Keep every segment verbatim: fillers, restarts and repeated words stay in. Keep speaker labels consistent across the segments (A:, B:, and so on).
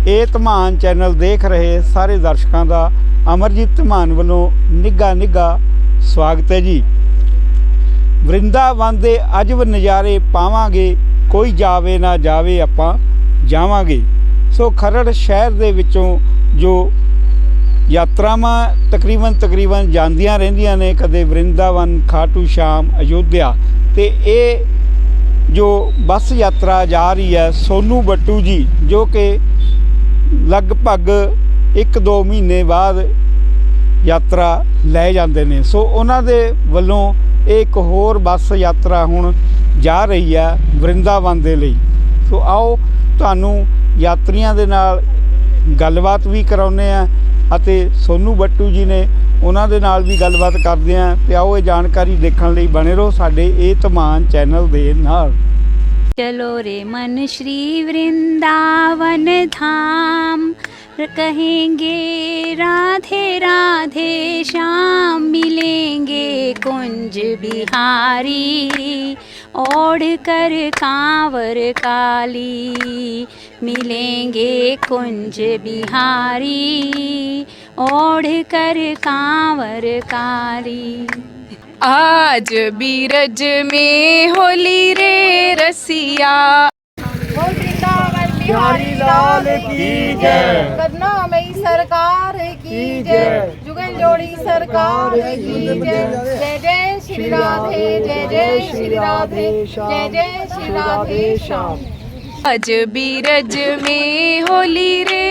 A: ਇਹ ਧਮਾਨ ਚੈਨਲ ਦੇਖ ਰਹੇ ਸਾਰੇ ਦਰਸ਼ਕਾਂ ਦਾ ਅਮਰਜੀਤ ਧਮਾਨ ਵੱਲੋਂ ਨਿੱਘਾ ਨਿੱਘਾ ਸਵਾਗਤ ਹੈ ਜੀ। ਵਰਿੰਦਾਵਨ ਦੇ ਅਜਬ ਨਜ਼ਾਰੇ ਪਾਵਾਂਗੇ, ਕੋਈ ਜਾਵੇ ਨਾ ਜਾਵੇ ਆਪਾਂ ਜਾਵਾਂਗੇ। ਸੋ ਖਰੜ ਸ਼ਹਿਰ ਦੇ ਵਿੱਚੋਂ ਜੋ ਯਾਤਰਾਵਾਂ ਤਕਰੀਬਨ ਤਕਰੀਬਨ ਜਾਂਦੀਆਂ ਰਹਿੰਦੀਆਂ ਨੇ, ਕਦੇ ਵਰਿੰਦਾਵਨ, ਖਾਟੂ ਸ਼ਾਮ, ਅਯੋਧਿਆ, ਤੇ ਇਹ ਜੋ ਬੱਸ ਯਾਤਰਾ ਜਾ ਰਹੀ ਹੈ ਸੋਨੂ ਬੱਟੂ ਜੀ, ਜੋ ਕਿ ਲਗਭਗ ਇੱਕ ਦੋ ਮਹੀਨੇ ਬਾਅਦ ਯਾਤਰਾ ਲੈ ਜਾਂਦੇ ਨੇ। ਸੋ ਉਹਨਾਂ ਦੇ ਵੱਲੋਂ ਇਹ ਇੱਕ ਹੋਰ ਬੱਸ ਯਾਤਰਾ ਹੁਣ ਜਾ ਰਹੀ ਹੈ ਵਰਿੰਦਾਵਨ ਦੇ ਲਈ। ਸੋ ਆਓ ਤੁਹਾਨੂੰ ਯਾਤਰੀਆਂ ਦੇ ਨਾਲ ਗੱਲਬਾਤ ਵੀ ਕਰਾਉਂਦੇ ਹਾਂ ਅਤੇ ਸੋਨੂ ਬੱਟੂ ਜੀ ਨੇ ਉਹਨਾਂ ਦੇ ਨਾਲ ਵੀ ਗੱਲਬਾਤ ਕਰਦੇ ਹਾਂ। ਤੇ ਆਓ ਇਹ ਜਾਣਕਾਰੀ ਦੇਖਣ ਲਈ ਬਣੇ ਰਹੋ ਸਾਡੇ ਇਹ ਧਮਾਨ ਚੈਨਲ ਦੇ ਨਾਲ।
B: चलो रे मन श्री वृंदावन धाम, कहेंगे राधे राधे श्याम, मिलेंगे कुंज बिहारी ओढ़ कर कांवर काली, मिलेंगे कुंज बिहारी ओढ़ कर कांवर काली।
C: आज बीरज में होली रे रसिया,
D: बोल वृंदावन बिहारी लाल की जय, कदना मई सरकार की जय, जुगल जोड़ी सरकार की जय। जय जय श्री राधे, जय जय श्री राधे, जय जय श्री राधे श्याम।
C: आज बीरज में होली रे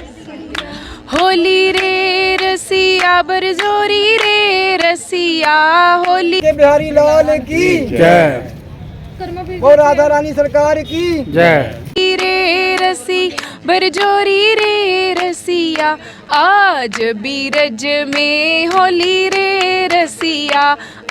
C: होली रे रसिया, बरजोरी रे रसिया, होली
E: के बिहारी लाल की जय, और राधा रानी सरकार की जय।
C: रे रसी बरजोरी रे रसिया, आज बीरज में होली रे रसिया।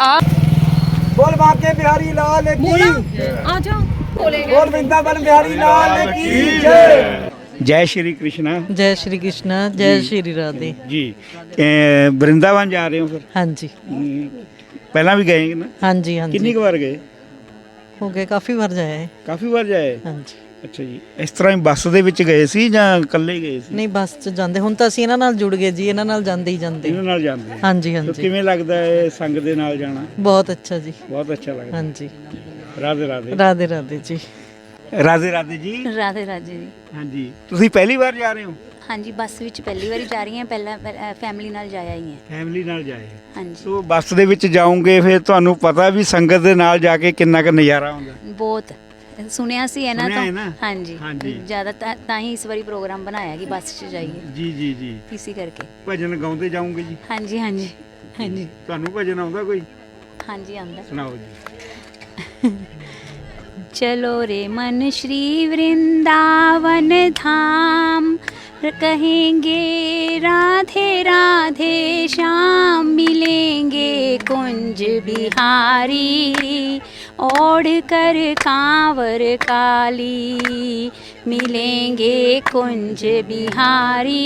E: बोल बांके बिहारी लाल की,
D: आ जाओ बोलेंगे।
E: बोल वृंदावन बिहारी लाल की जय।
A: जय श्री कृष्णा।
F: जय श्री कृष्णा, जय श्री राधे
A: जी। ए, वृंदावन जा रहे हो फिर?
F: हाँ जी।
A: पहला भी गए ना?
F: हाँ जी हाँ
A: कितनी
F: जी
A: बार गए?
F: हो गए काफ़ी बार जाए हैं।
A: ਕਾਫੀ ਵਾਰ ਜਾਏ।
F: हाँ जी।
A: ਅੱਛਾ ਜੀ, ਇਸ ਤਰ੍ਹਾਂ ਹੀ ਬੱਸ ਦੇ ਵਿੱਚ ਗਏ ਸੀ ਜਾਂ ਇਕੱਲੇ ਹੀ ਗਏ ਸੀ?
F: ਨਹੀਂ ਬੱਸ 'ਚ ਜਾਂਦੇ, ਹੁਣ ਤਾਂ ਅਸੀਂ ਇਹਨਾਂ ਨਾਲ ਜੁੜ ਗਏ ਜੀ, ਇਹਨਾਂ ਨਾਲ ਜਾਂਦੇ ਹੀ ਜਾਂਦੇ।
A: ਇਹਨਾਂ ਨਾਲ ਜਾਂਦੇ।
F: हाँ जी हाँ
A: ਤਾਂ
F: जी।
A: ਕਿਵੇਂ ਲੱਗਦਾ ਹੈ ਸੰਗ ਦੇ ਨਾਲ ਜਾਣਾ?
F: बहुत अच्छा जी।
A: ਬਹੁਤ ਅੱਛਾ ਲੱਗਦਾ।
F: हाँ जी।
A: ਰਾਧੇ ਰਾਧੇ।
F: राधे राधे जी।
A: ਰਾਧੇ ਰਾਧੇ ਜੀ।
B: राधे राधे जी।
A: ਹਾਂਜੀ, ਤੁਸੀਂ ਪਹਿਲੀ ਵਾਰ ਜਾ ਰਹੇ ਹੋ?
B: हाँ जी, बस विच पहली बारी जा रही हैं, पहला फैमिली नाल जाया ही है।
A: ਫੈਮਿਲੀ ਨਾਲ ਜਾਏ।
B: हाँ जी,
A: ਸੋ ਬੱਸ ਦੇ ਵਿੱਚ ਜਾਓਗੇ ਫਿਰ ਤੁਹਾਨੂੰ ਪਤਾ ਵੀ ਸੰਗਤ ਦੇ ਨਾਲ ਜਾ ਕੇ ਕਿੰਨਾ ਕੁ ਨਜ਼ਾਰਾ ਆਉਂਦਾ।
B: बहुत सुनिया सी है ना
A: सुनिया
B: तो
A: है ना?
B: हाँ जी
A: हाँ जी।
B: ज़्यादा ता ही इस बारी प्रोग्राम बनाया कि बस च जाइए,
A: ਜੀ ਜੀ ਜੀ।
B: इसी करके।
A: ਭਜਨ ਗਾਉਂਦੇ ਜਾਓਗੇ ਜੀ?
B: हाँ जी हाँ जी हाँ जी
A: ਤੁਹਾਨੂੰ ਭਜਨ ਆਉਂਦਾ ਕੋਈ?
B: हाँ जी आंदा।
A: ਸੁਣਾਓ ਜੀ।
B: चलो रे मन श्री वृंदावन धाम, कहेंगे राधे राधे श्याम, मिलेंगे कुंज बिहारी ओढ़ कर कांवर काली, मिलेंगे कुंज बिहारी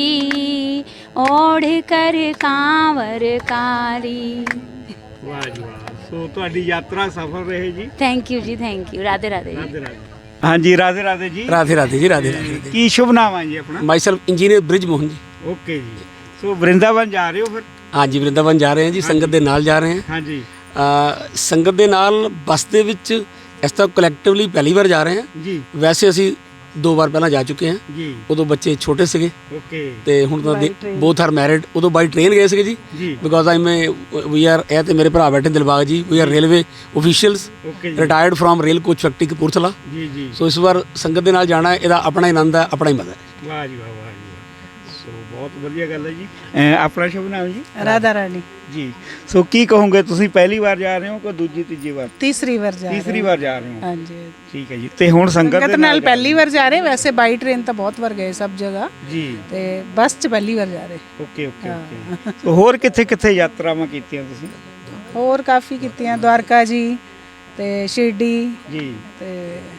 B: ओढ़ कर कांवर काली।
A: ਵਾਹ ਜੀ ਵਾਹ। ਸੋ ਤੁਹਾਡੀ ਯਾਤਰਾ ਸਫਲ ਰਹੇ ਜੀ।
B: थैंक यू जी, थैंक यू। राधे राधे जी।
A: ਰਾਧੇ ਰਾਧੇ। ਹਾਂਜੀ, ਰਾਧੇ ਰਾਧੇ ਜੀ।
G: राधे राधे जी, राधे राधे।
A: ਕੀ ਸ਼ੁਭ ਨਾਮ ਹੈ ਜੀ ਆਪਣਾ?
G: My self engineer Brij Mohan ji.
A: Okay ਜੀ। ਸੋ ਵਰਿੰਦਾਵਨ ਜਾ ਰਹੇ ਹੋ ਫਿਰ?
G: हाँ जी, वृंदावन जा रहे हैं जी, संगत दे नाल जा रहे हैं।
A: ਹਾਂਜੀ
G: आ, संगत दे नाल बस दे विच इस तरह कलैक्टिवली पहली बार जा रहे हैं।
A: ਜੀ
G: वैसे ਅਸੀਂ दो बार ਪਹਿਲਾਂ ਜਾ ਚੁੱਕੇ ਹਾਂ।
A: ਜੀ।
G: ਉਦੋਂ ਬੱਚੇ ਛੋਟੇ ਸੀਗੇ
A: ਓਕੇ
G: ਤੇ ਹੁਣ ਤਾਂ ਬੋਥ ਆਰ ਮੈਰਿਡ। ਉਦੋਂ ਬਾਈ ਟ੍ਰੇਨ ਗਏ ਸੀਗੇ ਜੀ,
A: ਜੀ।
G: ਬਿਕੋਜ਼ ਆਈ ਮੈਂ ਵੀ ਆਰ ਇਹ ਤੇ ਮੇਰੇ ਭਰਾ ਬੈਠੇ Dilbag ji, we are railway officials
A: okay ਜੀ।
G: Retired from rail coach factory Kapurthala.
A: ਜੀ ਜੀ।
G: ਸੋ ਇਸ ਵਾਰ ਸੰਗਤ ਦੇ ਨਾਲ ਜਾਣਾ, ਇਹਦਾ ਆਪਣਾ ਹੀ ਆਨੰਦ ਹੈ, ਆਪਣਾ ਹੀ ਮਜ਼ਾ ਹੈ।
A: ਵਾਹ ਜੀ ਵਾਹ, ਵਾਹ ਜੀ ਵਾਹ। ਸੋ ਬਹੁਤ ਵਧੀਆ ਗੱਲ ਹੈ ਜੀ। ਆਪਣਾ ਸ਼ੁਭ ਨਾਮ ਜੀ?
F: राधा रानी।
A: ਜੀ। ਸੋ ਕੀ ਕਹੋਗੇ, ਤੁਸੀਂ ਪਹਿਲੀ ਵਾਰ ਜਾ ਰਹੇ ਹੋ ਕਿ ਦੂਜੀ ਤੀਜੀ ਵਾਰ?
F: तीसरी बार जा
A: ਤੀਸਰੀ ਵਾਰ ਜਾ ਰਹੇ ਹੋ।
F: हाँ जी।
A: ਠੀਕ ਹੈ ਜੀ। ਤੇ ਹੁਣ ਸੰਗਤ ਦੇ ਨਾਲ ਜਾ
F: पहली बार जा रहे, वैसे बाई ट्रेन तो बहुत बार गए सब जगह,
A: ਜੀ।
F: ते बस च पहली बार जा रहे।
A: Okay okay okay. ਸੋ ਹੋਰ ਕਿੱਥੇ ਕਿੱਥੇ ਯਾਤਰਾਵਾਂ ਕੀਤੀਆਂ ਤੁਸੀਂ?
F: ਹੋਰ ਕਾਫੀ ਕੀਤੀਆਂ, द्वारका जी ਤੇ शिरडी
A: ਜੀ।
F: ਤੇ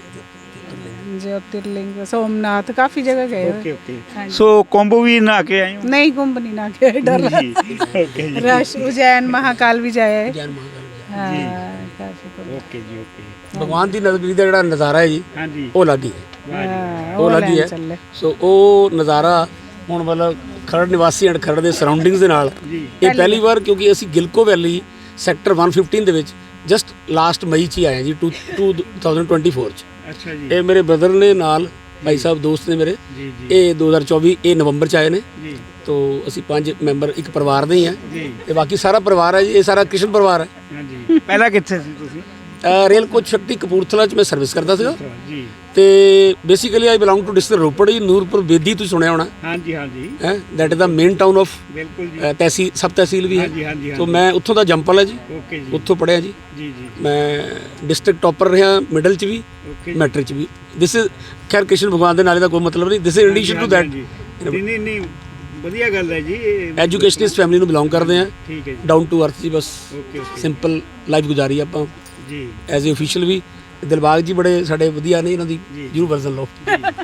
F: ज्योतिर्लिंग, सोमनाथ, काफी जगह गए
A: ਓਕੇ ਓਕੇ।
F: हाँ जी।
A: ਸੋ ਕੁੰਭ ਵੀ ਨਹਾ ਕੇ ਆਏ ਹੋ?
F: नहीं कुंभ नहीं ना गए, डर
A: ਜੀ। ਓਕੇ ਜੀ।
F: रश उज्जैन महाकाल भी जाए।
G: ਜੈਨ ਮਹਾਕਾਲ
F: हाँ, काफी कुंभ।
A: ਓਕੇ ਜੀ ਓਕੇ।
G: ਭਗਵਾਨ ਦੀ ਨਗਰੀ ਦਾ ਜਿਹੜਾ ਨਜ਼ਾਰਾ ਹੈ ਜੀ,
A: ਹਾਂਜੀ
G: ਉਹ ਅਲੱਗ ਹੀ ਹੈ।
F: ਹਾਂ,
G: ਉਹ ਅਲੱਗ ਹੀ
F: ਲੈਣ
G: ਹੈ।
F: ਚੱਲੇ।
G: ਸੋ ਉਹ ਨਜ਼ਾਰਾ ਹੁਣ ਮਤਲਬ ਖਰੜ ਨਿਵਾਸੀ ਐਂਡ ਖਰੜ ਦੇ ਸਰਾਊਂਡਿੰਗਸ ਦੇ ਨਾਲ ਇਹ ਪਹਿਲੀ ਵਾਰ, ਕਿਉਂਕਿ ਅਸੀਂ ਗਿਲਕੋ ਵੈਲੀ ਸੈਕਟਰ ਇੱਕ ਸੌ ਪੰਦਰਾਂ ਦੇ ਵਿੱਚ ਜਸਟ ਲਾਸਟ ਮਈ 'ਚ ਹੀ ਆਏ ਹਾਂ ਜੀ two two thousand twenty four 'ਚ।
A: ਅੱਛਾ ਜੀ
G: ਇਹ ਮੇਰੇ ਬ੍ਰਦਰ ਨੇ ਨਾਲ ਭਾਈ ਸਾਹਿਬ ਦੋਸਤ ਨੇ ਮੇਰੇ,
A: ਜੀ
G: ਇਹ ਦੋ ਹਜ਼ਾਰ ਚੌਵੀ ਇਹ ਨਵੰਬਰ 'ਚ ਆਏ ਨੇ।
A: ਜੀ
G: ਤੋ ਅਸੀਂ ਪੰਜ ਮੈਂਬਰ ਇੱਕ ਪਰਿਵਾਰ ਦੇ ਹੀ ਹਾਂ
A: ਜੀ
G: ਤੇ ਬਾਕੀ ਸਾਰਾ ਪਰਿਵਾਰ ਹੈ ਜੀ, ਇਹ ਸਾਰਾ ਕ੍ਰਿਸ਼ਨ ਪਰਿਵਾਰ ਹੈ।
A: ਹਾਂਜੀ ਪਹਿਲਾਂ ਕਿੱਥੇ ਸੀ ਤੁਸੀਂ?
G: ਅ, ਰੇਲ ਕੋਚ ਸ਼ਕਤੀ ਕਪੂਰਥਲਾ 'ਚ ਮੈਂ ਸਰਵਿਸ ਕਰਦਾ ਸੀਗਾ
A: ਜੀ
G: ਤੇ basically I belong to district Ropar ji, Nurpur Bedi ਤੁਸੀਂ ਸੁਣਿਆ ਹੋਣਾ
A: ਹਾਂਜੀ ਹਾਂਜੀ
G: ਹੈ, that is the main town of
A: ਬਿਲਕੁਲ ਜੀ
G: ਤਹਿਸੀਲ ਸਬ ਤਹਿਸੀਲ ਵੀ
A: ਹਾਂਜੀ,
G: ਹੈ।
A: ਹਾਂਜੀ,
G: ਤੋ
A: ਹਾਂਜੀ।
G: ਮੈਂ ਉੱਥੋਂ ਦਾ ਜੰਪਲ ਹੈ ਜੀ,
A: ਓਕੇ ਜੀ
G: ਉੱਥੋਂ ਪੜ੍ਹਿਆ ਜੀ।
A: ਜੀ ਜੀ
G: ਮੈਂ ਡਿਸਟ੍ਰਿਕਟ ਟੌਪਰ ਰਿਹਾ ਮਿਡਲ 'ਚ ਵੀ
A: ਓਕੇ ਜੀ।
G: ਮੈਟ੍ਰਿਕ 'ਚ ਵੀ। ਦਿਸ ਇਜ਼ ਖੈਰ ਕ੍ਰਿਸ਼ਨ ਭਗਵਾਨ ਦੇ ਨਾਲੇ ਦਾ ਕੋਈ ਮਤਲਬ ਨਹੀਂ, this is addition to that.
A: ਨਹੀਂ ਨਹੀਂ ਨਹੀਂ ਵਧੀਆ ਗੱਲ ਹੈ ਜੀ ਇਹ।
G: ਐਜੂਕੇਸ਼ਨਿਸਟ ਫੈਮਿਲੀ ਨੂੰ ਬਿਲੋਂਗ ਕਰਦੇ ਆ,
A: ਠੀਕ ਹੈ ਜੀ
G: ਡਾਊਨ ਟੂ ਅਰਥ ਜੀ, ਬਸ
A: ਓਕੇ ਓਕੇ
G: ਸਿੰਪਲ ਲਾਈਫ ਗੁਜ਼ਾਰੀ ਆਪਾਂ
A: ਜੀ
G: ਐਜ਼ ਏ ਅਫੀਸ਼ੀਅਲ ਵੀ। ਦਿਲਬਾਗ ਜੀ ਬੜੇ ਸਾਡੇ ਵਧੀਆ ਨੇ, ਇਹਨਾਂ ਦੀ ਜਰੂਰ ਵਰਜ਼ਨ ਲਓ।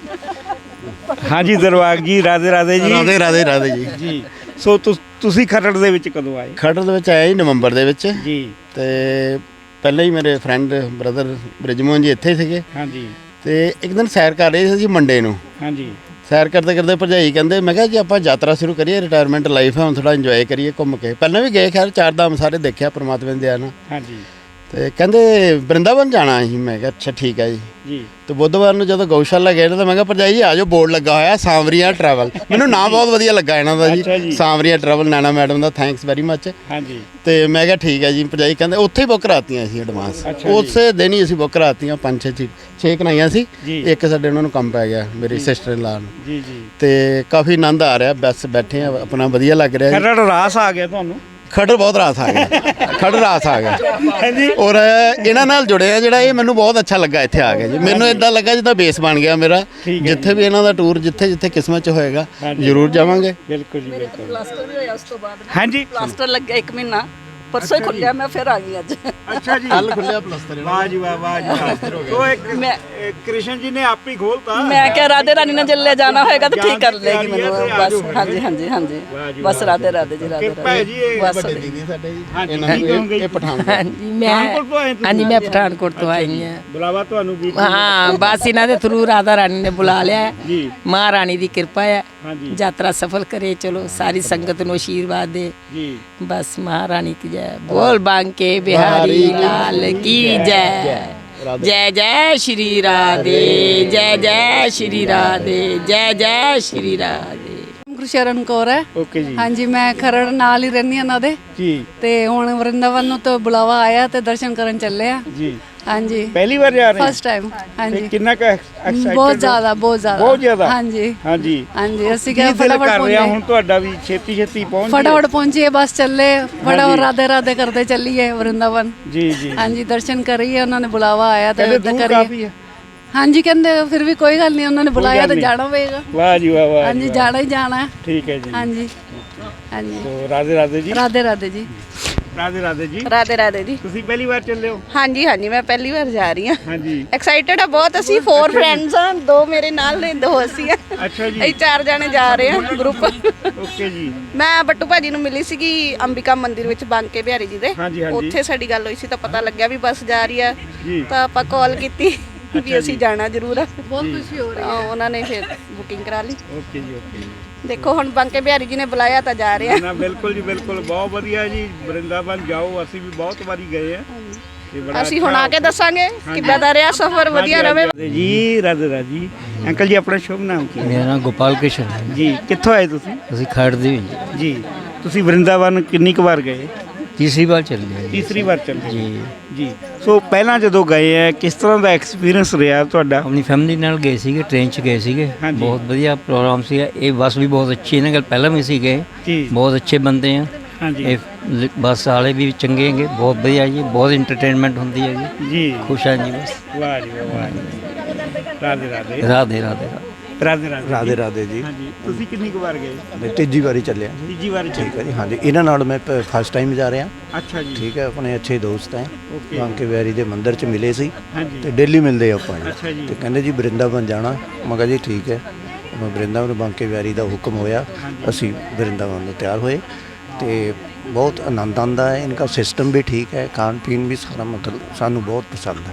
A: ਹਾਂਜੀ ਦਰਬਾਗ ਜੀ ਰਾਧੇ ਰਾਧੇ ਜੀ
H: ਰਾਧੇ ਰਾਧੇ ਰਾਧੇ ਜੀ।
A: ਜੀ ਸੋ ਤੁਸ- ਤੁਸੀਂ ਖਰੜ ਦੇ ਵਿੱਚ ਕਦੋਂ ਆਏ?
H: ਖਰੜ ਦੇ ਵਿੱਚ ਆਇਆ ਜੀ ਨਵੰਬਰ ਦੇ ਵਿੱਚ,
A: ਜੀ
H: ਤੇ ਪਹਿਲਾਂ ਹੀ ਮੇਰੇ ਫਰੈਂਡ ਬ੍ਰਦਰ ਬ੍ਰਿਜਮੋਹਨ ਜੀ ਇੱਥੇ ਸੀਗੇ,
A: ਹਾਂਜੀ
H: ਤੇ ਇੱਕ ਦਿਨ ਸੈਰ ਕਰ ਰਹੇ ਸੀ ਜੀ ਮੰਡੇ ਨੂੰ।
A: ਹਾਂਜੀ
H: ਸੈਰ ਕਰਦੇ ਕਰਦੇ ਭਰਜਾਈ ਕਹਿੰਦੇ, ਮੈਂ ਕਿਹਾ ਜੀ ਆਪਾਂ ਯਾਤਰਾ ਸ਼ੁਰੂ ਕਰੀਏ, ਰਿਟਾਇਰਮੈਂਟ ਲਾਈਫ ਹੈ ਹੁਣ ਥੋੜਾ ਇੰਜੋਏ ਕਰੀਏ ਘੁੰਮ ਕੇ। ਪਹਿਲਾਂ ਵੀ ਗਏ ਖੈਰ, ਚਾਰ ਧਾਮ ਸਾਰੇ ਦੇਖਿਆ ਪਰਮਾਤਮਾ ਦੀ ਦਇਆ ਨਾਲ।
A: ਹਾਂਜੀ
H: ਤੇ ਕਹਿੰਦੇ ਬ੍ਰਿੰਦਾਵਨ ਜਾਣਾ ਸੀ। ਮੈਂ ਕਿਹਾ ਅੱਛਾ ਠੀਕ ਹੈ ਜੀ।
A: ਜੀ
H: ਤੇ ਬੁੱਧਵਾਰ ਨੂੰ ਜਦੋਂ ਗਊਸ਼ਾਲਾ ਗਏ ਨਾ ਤਾਂ ਮੈਂ ਕਿਹਾ ਭਰਜਾਈ ਜੀ ਆ ਜਾਓ, ਬੋਰਡ ਲੱਗਾ ਹੋਇਆ ਸਾਂਵਰੀਆ ਟਰੈਵਲ। ਮੈਨੂੰ ਨਾਮ ਬਹੁਤ ਵਧੀਆ ਲੱਗਾ ਇਹਨਾਂ ਦਾ
A: ਅੱਛਾ ਜੀ।
H: ਜੀ, ਸਾਂਵਰੀਆ ਟਰੈਵਲ, ਨੈਣਾ ਮੈਡਮ ਦਾ ਥੈਂਕਸ ਵੈਰੀ ਮੱਚ।
A: ਹਾਂਜੀ
H: ਤੇ ਮੈਂ ਕਿਹਾ ਠੀਕ ਹੈ ਜੀ। ਭਰਜਾਈ ਕਹਿੰਦੇ ਉੱਥੇ ਹੀ ਬੁੱਕ ਕਰਾਤੀਆਂ ਸੀ ਐਡਵਾਂਸ,
A: ਅੱਛਾ ਜੀ।
H: ਉਸੇ ਦਿਨ ਹੀ ਅਸੀਂ ਬੁੱਕ ਕਰਾਤੀਆਂ। ਪੰਜ ਛੇ ਚੀ ਛੇ ਕਰਾਈਆਂ ਸੀ,
A: ਜੀ।
H: ਇੱਕ ਸਾਡੇ ਉਹਨਾਂ ਨੂੰ ਕੰਮ ਪੈ ਗਿਆ ਮੇਰੀ ਸਿਸਟਰ ਇਨ ਲਾ ਨੂੰ।
A: ਜੀ ਜੀ
H: ਤੇ ਕਾਫੀ ਆਨੰਦ ਆ ਰਿਹਾ, ਬਸ ਬੈਠੇ ਆ ਆਪਣਾ, ਵਧੀਆ ਲੱਗ ਰਿਹਾ ਜੀ।
A: ਖਰੜ ਰਾਸ ਆ ਗਿਆ ਤੁਹਾਨੂੰ?
H: ਖੜਰ ਬਹੁਤ ਰਾਸ ਆ ਗਿਆ, ਖੜਰ ਰਾਸ ਆ ਗਿਆ।
A: ਹਾਂਜੀ
H: ਔਰ ਇਹਨਾਂ ਨਾਲ ਜੁੜਿਆ ਜਿਹੜਾ, ਇਹ ਮੈਨੂੰ ਬਹੁਤ ਅੱਛਾ ਲੱਗਾ ਇੱਥੇ ਆ ਕੇ ਜੀ। ਮੈਨੂੰ ਇਦਾਂ ਲੱਗਾ ਜਿੱਦਾਂ ਬੇਸ ਬਣ ਗਿਆ ਮੇਰਾ।
A: ਠੀਕ ਹੈ
H: ਜਿੱਥੇ ਵੀ ਇਹਨਾਂ ਦਾ ਟੂਰ, ਜਿੱਥੇ ਜਿੱਥੇ ਕਿਸਮਤ 'ਚ ਹੋਏਗਾ
A: ਹਾਂਜੀ।
H: ਜ਼ਰੂਰ ਜਾਵਾਂਗੇ।
A: ਬਿਲਕੁਲ ਜੀ ਬਿਲਕੁਲ।
I: ਪਲਾਸਟਰ ਵੀ ਹੋਇਆ ਉਸ ਤੋਂ ਬਾਅਦ
A: ਹਾਂਜੀ
I: ਪਲਾਸਟਰ ਲੱਗਿਆ ਇੱਕ ਮਹੀਨਾ, ਪਰਸੋਂ ਹੀ ਖੁੱਲਿਆ, ਮੈਂ ਫਿਰ ਆ ਗਈ ਅੱਜ।
A: ਅੱਛਾ ਜੀ
H: ਕੱਲ ਖੁੱਲਿਆ ਪਲਸਤਰ
A: ਵਾਹ ਜੀ ਵਾਹ ਵਾਹ ਜੀ ਵਾਹ। ਉਹ ਇੱਕ
I: ਮੈਂ
A: ਇਹ ਕ੍ਰਿਸ਼ਨ ਜੀ ਨੇ ਆਪ ਹੀ ਖੋਲਤਾ।
I: ਮੈਂ ਕਿਹਾ ਰਾਧੇ ਰਾਣੀ ਨਾਲ ਚੱਲੇ ਜਾਣਾ ਹੋਏਗਾ ਤਾਂ ਠੀਕ ਕਰ ਲੇਗੀ
A: ਜਾਣ ਦੀ
I: ਮੈਨੂੰ
A: ਤਿਆਰੀ ਹੈ
I: ਬਸ।
A: ਤੇ ਆ ਜਾਓ
I: ਹਾਂਜੀ ਹਾਂਜੀ ਹਾਂਜੀ
A: ਵਾਹ ਜੀ
I: ਬਸ
A: ਵਾਹ।
I: ਰਾਧੇ ਰਾਧੇ ਜੀ ਰਾਧੇ
A: ਕਿਰਪਾ ਹੈ ਜੀ ਇਹ
I: ਬਸ
H: ਵੱਡੇ ਦੀਦੀ ਸਾਡੇ ਜੀ,
A: ਹਾਂਜੀ,
H: ਇਹਨਾਂ
A: ਕੀ
H: ਨੂੰ
A: ਕਹੋਗੇ?
H: ਇਹ- ਇਹ ਪਠਾਨਕੋਟ।
J: ਹਾਂਜੀ ਮੈਂ
A: ਪਠਾਨਕੋਟ ਤੋਂ ਆਏ ਤੁਸੀਂ?
J: ਹਾਂਜੀ ਮੈਂ ਪਠਾਨਕੋਟ ਤੋਂ ਆਈ ਹਾਂ।
A: ਬੁਲਾਵਾ ਤੁਹਾਨੂੰ ਵੀ
J: ਹਾਂ ਬਸ ਇਹਨਾਂ ਦੇ ਥਰੂ ਰਾਧਾ ਰਾਣੀ ਨੇ ਬੁਲਾ ਲਿਆ ਹੈ।
A: ਜੀ
J: ਮਹਾਰਾਣੀ ਦੀ ਕਿਰਪਾ ਹੈ,
A: ਹਾਂਜੀ
J: ਯਾਤਰਾ ਸਫਲ ਕਰੇ, ਚਲੋ ਸਾਰੀ ਸੰਗਤ ਨੂੰ ਆਸ਼ੀਰਵਾਦ ਦੇ।
A: ਜੀ
J: ਬਸ ਮਹਾਰਾਣੀ ਕੀ ਜੈ, ਬੋਲ ਬਾਂਕੇ ਬਿਹਾਰੀ ਲਾਲ ਕੀ ਜੈ। ਜੈ ਜੈ ਸ਼੍ਰੀ ਰਾਧੇ, ਜੈ ਜੈ ਸ਼੍ਰੀ ਰਾਧੇ, ਜੈ ਜੈ ਸ਼੍ਰੀ ਰਾਧੇ।
D: ਗੁਰਸ਼ਰਨ ਕੌਰ ਹੈ।
A: ਓਕੇ ਜੀ
D: ਹਾਂਜੀ ਮੈਂ ਖਰੜ ਨਾਲ ਹੀ ਰਹਿੰਦੀ ਹਾਂ ਉਹਨਾਂ ਦੇ,
A: ਜੀ
D: ਤੇ ਹੁਣ ਵਰਿੰਦਾਵਨ ਨੂੰ ਤਾਂ ਬੁਲਾਵਾ ਆਇਆ ਤੇ ਦਰਸ਼ਨ ਕਰਨ ਚੱਲੇ ਆ।
A: ਜੀ
D: ਹਾਂਜੀ
A: ਪਹਿਲੀ ਵਾਰ ਜਾ ਰਹੇ
D: ਫਸਟ ਟਾਈਮ। ਹਾਂਜੀ
A: ਕਿੰਨਾ ਕੁ ਐਕਸਾਈਟਡ
D: ਬਹੁਤ ਜ਼ਿਆਦਾ ਬਹੁਤ ਜ਼ਿਆਦਾ
A: ਬਹੁਤ ਜ਼ਿਆਦਾ?
D: ਹਾਂਜੀ
A: ਹਾਂਜੀ
D: ਹਾਂਜੀ ਅਸੀਂ
A: ਕੀ
D: ਕਿਹਾ
A: ਦਿਲ
D: ਫਟਾਫਟ
A: ਕਰ ਰਿਹਾ ਹੁਣ
D: ਪਹੁੰਚੇ,
A: ਤੁਹਾਡਾ ਵੀ ਛੇਤੀ ਛੇਤੀ ਪਹੁੰਚ ਜਾਈਏ?
D: ਫਟਾਫਟ ਪਹੁੰਚੀਏ, ਬਸ ਚੱਲੇ ਫਟਾਫਟ
A: ਹਾਂਜੀ।
D: ਰਾਧੇ ਰਾਧੇ ਕਰਦੇ ਚੱਲੀਏ ਵਰਿੰਦਾਵਨ।
A: ਜੀ ਜੀ
D: ਹਾਂਜੀ ਦਰਸ਼ਨ ਕਰੀਏ, ਉਹਨਾਂ ਨੇ ਬੁਲਾਵਾ ਆਇਆ ਤੇ
A: ਕਹਿੰਦੇ
D: ਉੱਦਾਂ
A: ਦੂਰ
D: ਕਰੀਏ।
A: ਕਾਫੀ ਹੈ।
D: ਹਾਂਜੀ ਕਹਿੰਦੇ ਫਿਰ ਵੀ ਕੋਈ ਗੱਲ ਨਹੀਂ, ਉਹਨਾਂ ਨੇ ਬੁਲਾਇਆ
A: ਗੱਲ
D: ਤਾਂ
A: ਨਹੀਂ।
D: ਜਾਣਾ ਪਏਗਾ।
A: ਵਾਹ ਜੀ ਵਾਹ ਵਾਹ
D: ਹਾਂਜੀ
A: ਜੀ ਵਾਹ।
D: ਜਾਣਾ ਹੀ ਜਾਣਾ ਹੈ।
A: ਠੀਕ ਹੈ ਜੀ
D: ਹਾਂਜੀ ਹਾਂਜੀ
A: ਤੋ ਰਾਧੇ ਰਾਧੇ ਜੀ
D: ਰਾਧੇ ਰਾਧੇ ਜੀ।
A: ਰਾਧੇ ਰਾਧੇ ਜੀ
I: ਰਾਧੇ ਰਾਧੇ ਜੀ।
A: ਤੁਸੀਂ ਪਹਿਲੀ ਵਾਰ ਚੱਲੇ ਹੋ?
I: ਹਾਂਜੀ ਹਾਂਜੀ ਮੈਂ ਪਹਿਲੀ ਵਾਰ ਜਾ ਰਹੀ ਹਾਂ।
A: ਹਾਂਜੀ
I: ਐਕਸਾਈਟਡ ਆ ਬਹੁਤ। ਅਸੀਂ ਫੋਰ ਫਰੈਂਡਸ ਆ, ਦੋ ਮੇਰੇ ਨਾਲ ਨੇ, ਦੋ ਅਸੀਂ ਆ।
A: ਅੱਛਾ ਜੀ
I: ਅਸੀਂ ਚਾਰ ਜਾਣੇ ਜਾ ਰਹੇ ਹਾਂ ਗਰੁੱਪ।
A: ਓਕੇ ਜੀ
I: ਮੈਂ ਬੱਟੂ ਭਾਜੀ ਨੂੰ ਮਿਲੀ ਸੀਗੀ ਅੰਬਿਕਾ ਮੰਦਿਰ ਵਿੱਚ ਬਾਂਕੇ ਬਿਹਾਰੀ ਜੀ ਦੇ।
A: ਹਾਂਜੀ, ਹਾਂਜੀ।
I: ਉੱਥੇ ਸਾਡੀ ਗੱਲ ਹੋਈ ਸੀ ਤਾਂ ਪਤਾ ਲੱਗਿਆ ਵੀ ਬੱਸ ਜਾ ਰਹੀ ਆ,
A: ਜੀ
I: ਤਾਂ ਆਪਾਂ ਕਾਲ ਕੀਤੀ ਵੀ ਅਸੀਂ ਜਾਣਾ ਜ਼ਰੂਰ ਆ।
D: ਬਹੁਤ ਖੁਸ਼ੀ ਹੋ ਰਹੀ
I: ਤਾਂ ਉਹਨਾਂ ਨੇ ਫਿਰ ਬੁਕਿੰਗ ਕਰਾ ਲਈ।
A: ਓਕੇ ਜੀ ਓਕੇ ਜੀ
I: ਦੇਖੋ ਹੁਣ ਬਾਂਕੇ ਬਿਹਾਰੀ ਜੀ ਨੇ ਬੁਲਾਇਆ ਤਾਂ ਜਾ ਰਹੇ ਆ।
A: ਨਾ ਬਿਲਕੁਲ ਜੀ ਬਿਲਕੁਲ ਬਹੁਤ ਵਧੀਆ ਜੀ। ਵਰਿੰਦਾਵਨ ਜਾਓ, ਅਸੀਂ ਵੀ ਬਹੁਤ ਵਾਰੀ ਗਏ ਆ ਤੇ ਬੜਾ
I: ਅਸੀਂ ਹੁਣ ਆ ਕੇ ਦੱਸਾਂਗੇ ਕਿੱਦਾਂ ਦਾ ਰਿਹਾ ਸਫ਼ਰ। ਵਧੀਆ ਰਵੇ
A: ਰਾਧੇ ਜੀ ਰਾਧੇ ਰਾਧੇ ਜੀ। ਅੰਕਲ ਜੀ ਆਪਣਾ ਸ਼ੁਭ ਨਾਮ ਕੀ ਹੈ?
K: ਮੇਰਾ ਨਾਮ ਗੋਪਾਲ ਕ੍ਰਿਸ਼ਨ ਹੈ।
A: ਜੀ ਕਿੱਥੋਂ ਆਏ ਤੁਸੀਂ?
K: ਅਸੀਂ ਖਰੜ ਦੇ ਵਿੱਚ
A: ਜੀ ਤੁਸੀਂ ਵਰਿੰਦਾਵਨ ਕਿੰਨੀ ਕੁ ਵਾਰ ਗਏ?
K: ਤੀਸਰੀ ਵਾਰ ਚੱਲੇ ਹਾਂ ਜੀ।
A: ਤੀਸਰੀ ਵਾਰ ਚੱਲੇ
K: ਜੀ
A: ਜੀ ਸੋ ਪਹਿਲਾਂ ਜਦੋਂ ਗਏ ਆ ਕਿਸ ਤਰ੍ਹਾਂ ਦਾ ਐਕਸਪੀਰੀਅੰਸ ਰਿਹਾ ਤੁਹਾਡਾ?
K: ਆਪਣੀ ਫੈਮਿਲੀ ਨਾਲ ਗਏ ਸੀਗੇ, ਟ੍ਰੇਨ 'ਚ ਗਏ ਸੀਗੇ।
A: ਹਾਂਜੀ।
K: ਬਹੁਤ ਵਧੀਆ ਪ੍ਰੋਗਰਾਮ ਸੀਗਾ। ਇਹ ਬੱਸ ਵੀ ਬਹੁਤ ਅੱਛੀ ਇਹਨਾਂ ਗੱਲ ਪਹਿਲਾਂ ਵੀ ਸੀ ਗਏ,
A: ਜੀ
K: ਬਹੁਤ ਅੱਛੇ ਬੰਦੇ ਆ।
A: ਹਾਂਜੀ
K: ਇਹ ਲ- ਬੱਸ ਵਾਲੇ ਵੀ ਚੰਗੇ ਹੈਗੇ, ਬਹੁਤ ਵਧੀਆ ਜੀ, ਬਹੁਤ ਇੰਟਰਟੇਨਮੈਂਟ ਹੁੰਦੀ ਹੈ ਜੀ।
A: ਜੀ
K: ਖੁਸ਼ ਹਾਂ ਜੀ ਬਸ।
A: ਵਾਹ ਜੀ ਵਾਹ ਵਾਹ ਜੀ। ਰਾਧੇ ਰਾਧੇ
K: ਰਾਧੇ ਰਾਧੇ ਰਾਧੇ।
A: ਰਾਧੇ ਰਾਧੇ
E: ਰਾਧੇ ਰਾਧੇ ਜੀ।
A: ਹਾਂਜੀ ਤੁਸੀਂ ਕਿੰਨੀ ਕੁ ਵਾਰ ਗਏ?
E: ਮੈਂ ਤੀਜੀ ਵਾਰੀ ਚੱਲਿਆ ਜੀ।
A: ਤੀਜੀ ਵਾਰ
E: ਠੀਕ ਹੈ ਜੀ। ਹਾਂਜੀ ਇਹਨਾਂ ਨਾਲ ਮੈਂ ਫਸਟ ਟਾਈਮ ਜਾ ਰਿਹਾ।
A: ਅੱਛਾ ਜੀ
E: ਠੀਕ ਹੈ, ਆਪਣੇ ਅੱਛੇ ਦੋਸਤ ਹੈ।
A: ਓਕੇ।
E: ਬਾਂਕੇ ਬਿਹਾਰੀ ਦੇ ਮੰਦਿਰ 'ਚ ਮਿਲੇ ਸੀ
A: ਹਾਂਜੀ
E: ਤੇ ਡੇਲੀ ਮਿਲਦੇ ਆਪਾਂ ਜੀ।
A: ਅੱਛਾ ਜੀ
E: ਤੇ ਕਹਿੰਦੇ ਜੀ ਵਰਿੰਦਾਵਨ ਜਾਣਾ। ਮੈਂ ਕਿਹਾ ਜੀ ਠੀਕ ਹੈ। ਮੈਂ ਵਰਿੰਦਾਵਨ ਬਾਂਕੇ ਬਿਹਾਰੀ ਦਾ ਹੁਕਮ ਹੋਇਆ, ਅਸੀਂ ਵਰਿੰਦਾਵਨ ਨੂੰ ਤਿਆਰ ਹੋਏ ਤੇ ਬਹੁਤ ਆਨੰਦ ਆਉਂਦਾ ਹੈ। ਇਨਕਾ ਸਿਸਟਮ ਵੀ ਠੀਕ ਹੈ, ਖਾਣ ਪੀਣ ਵੀ ਸਾਰਾ, ਮਤਲਬ ਸਾਨੂੰ ਬਹੁਤ ਪਸੰਦ ਹੈ।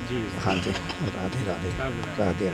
A: ਜੀ
E: ਹਾਂਜੀ ਰਾਧੇ ਰਾਧੇ ਰਾਧੇ ਰਾਧੇ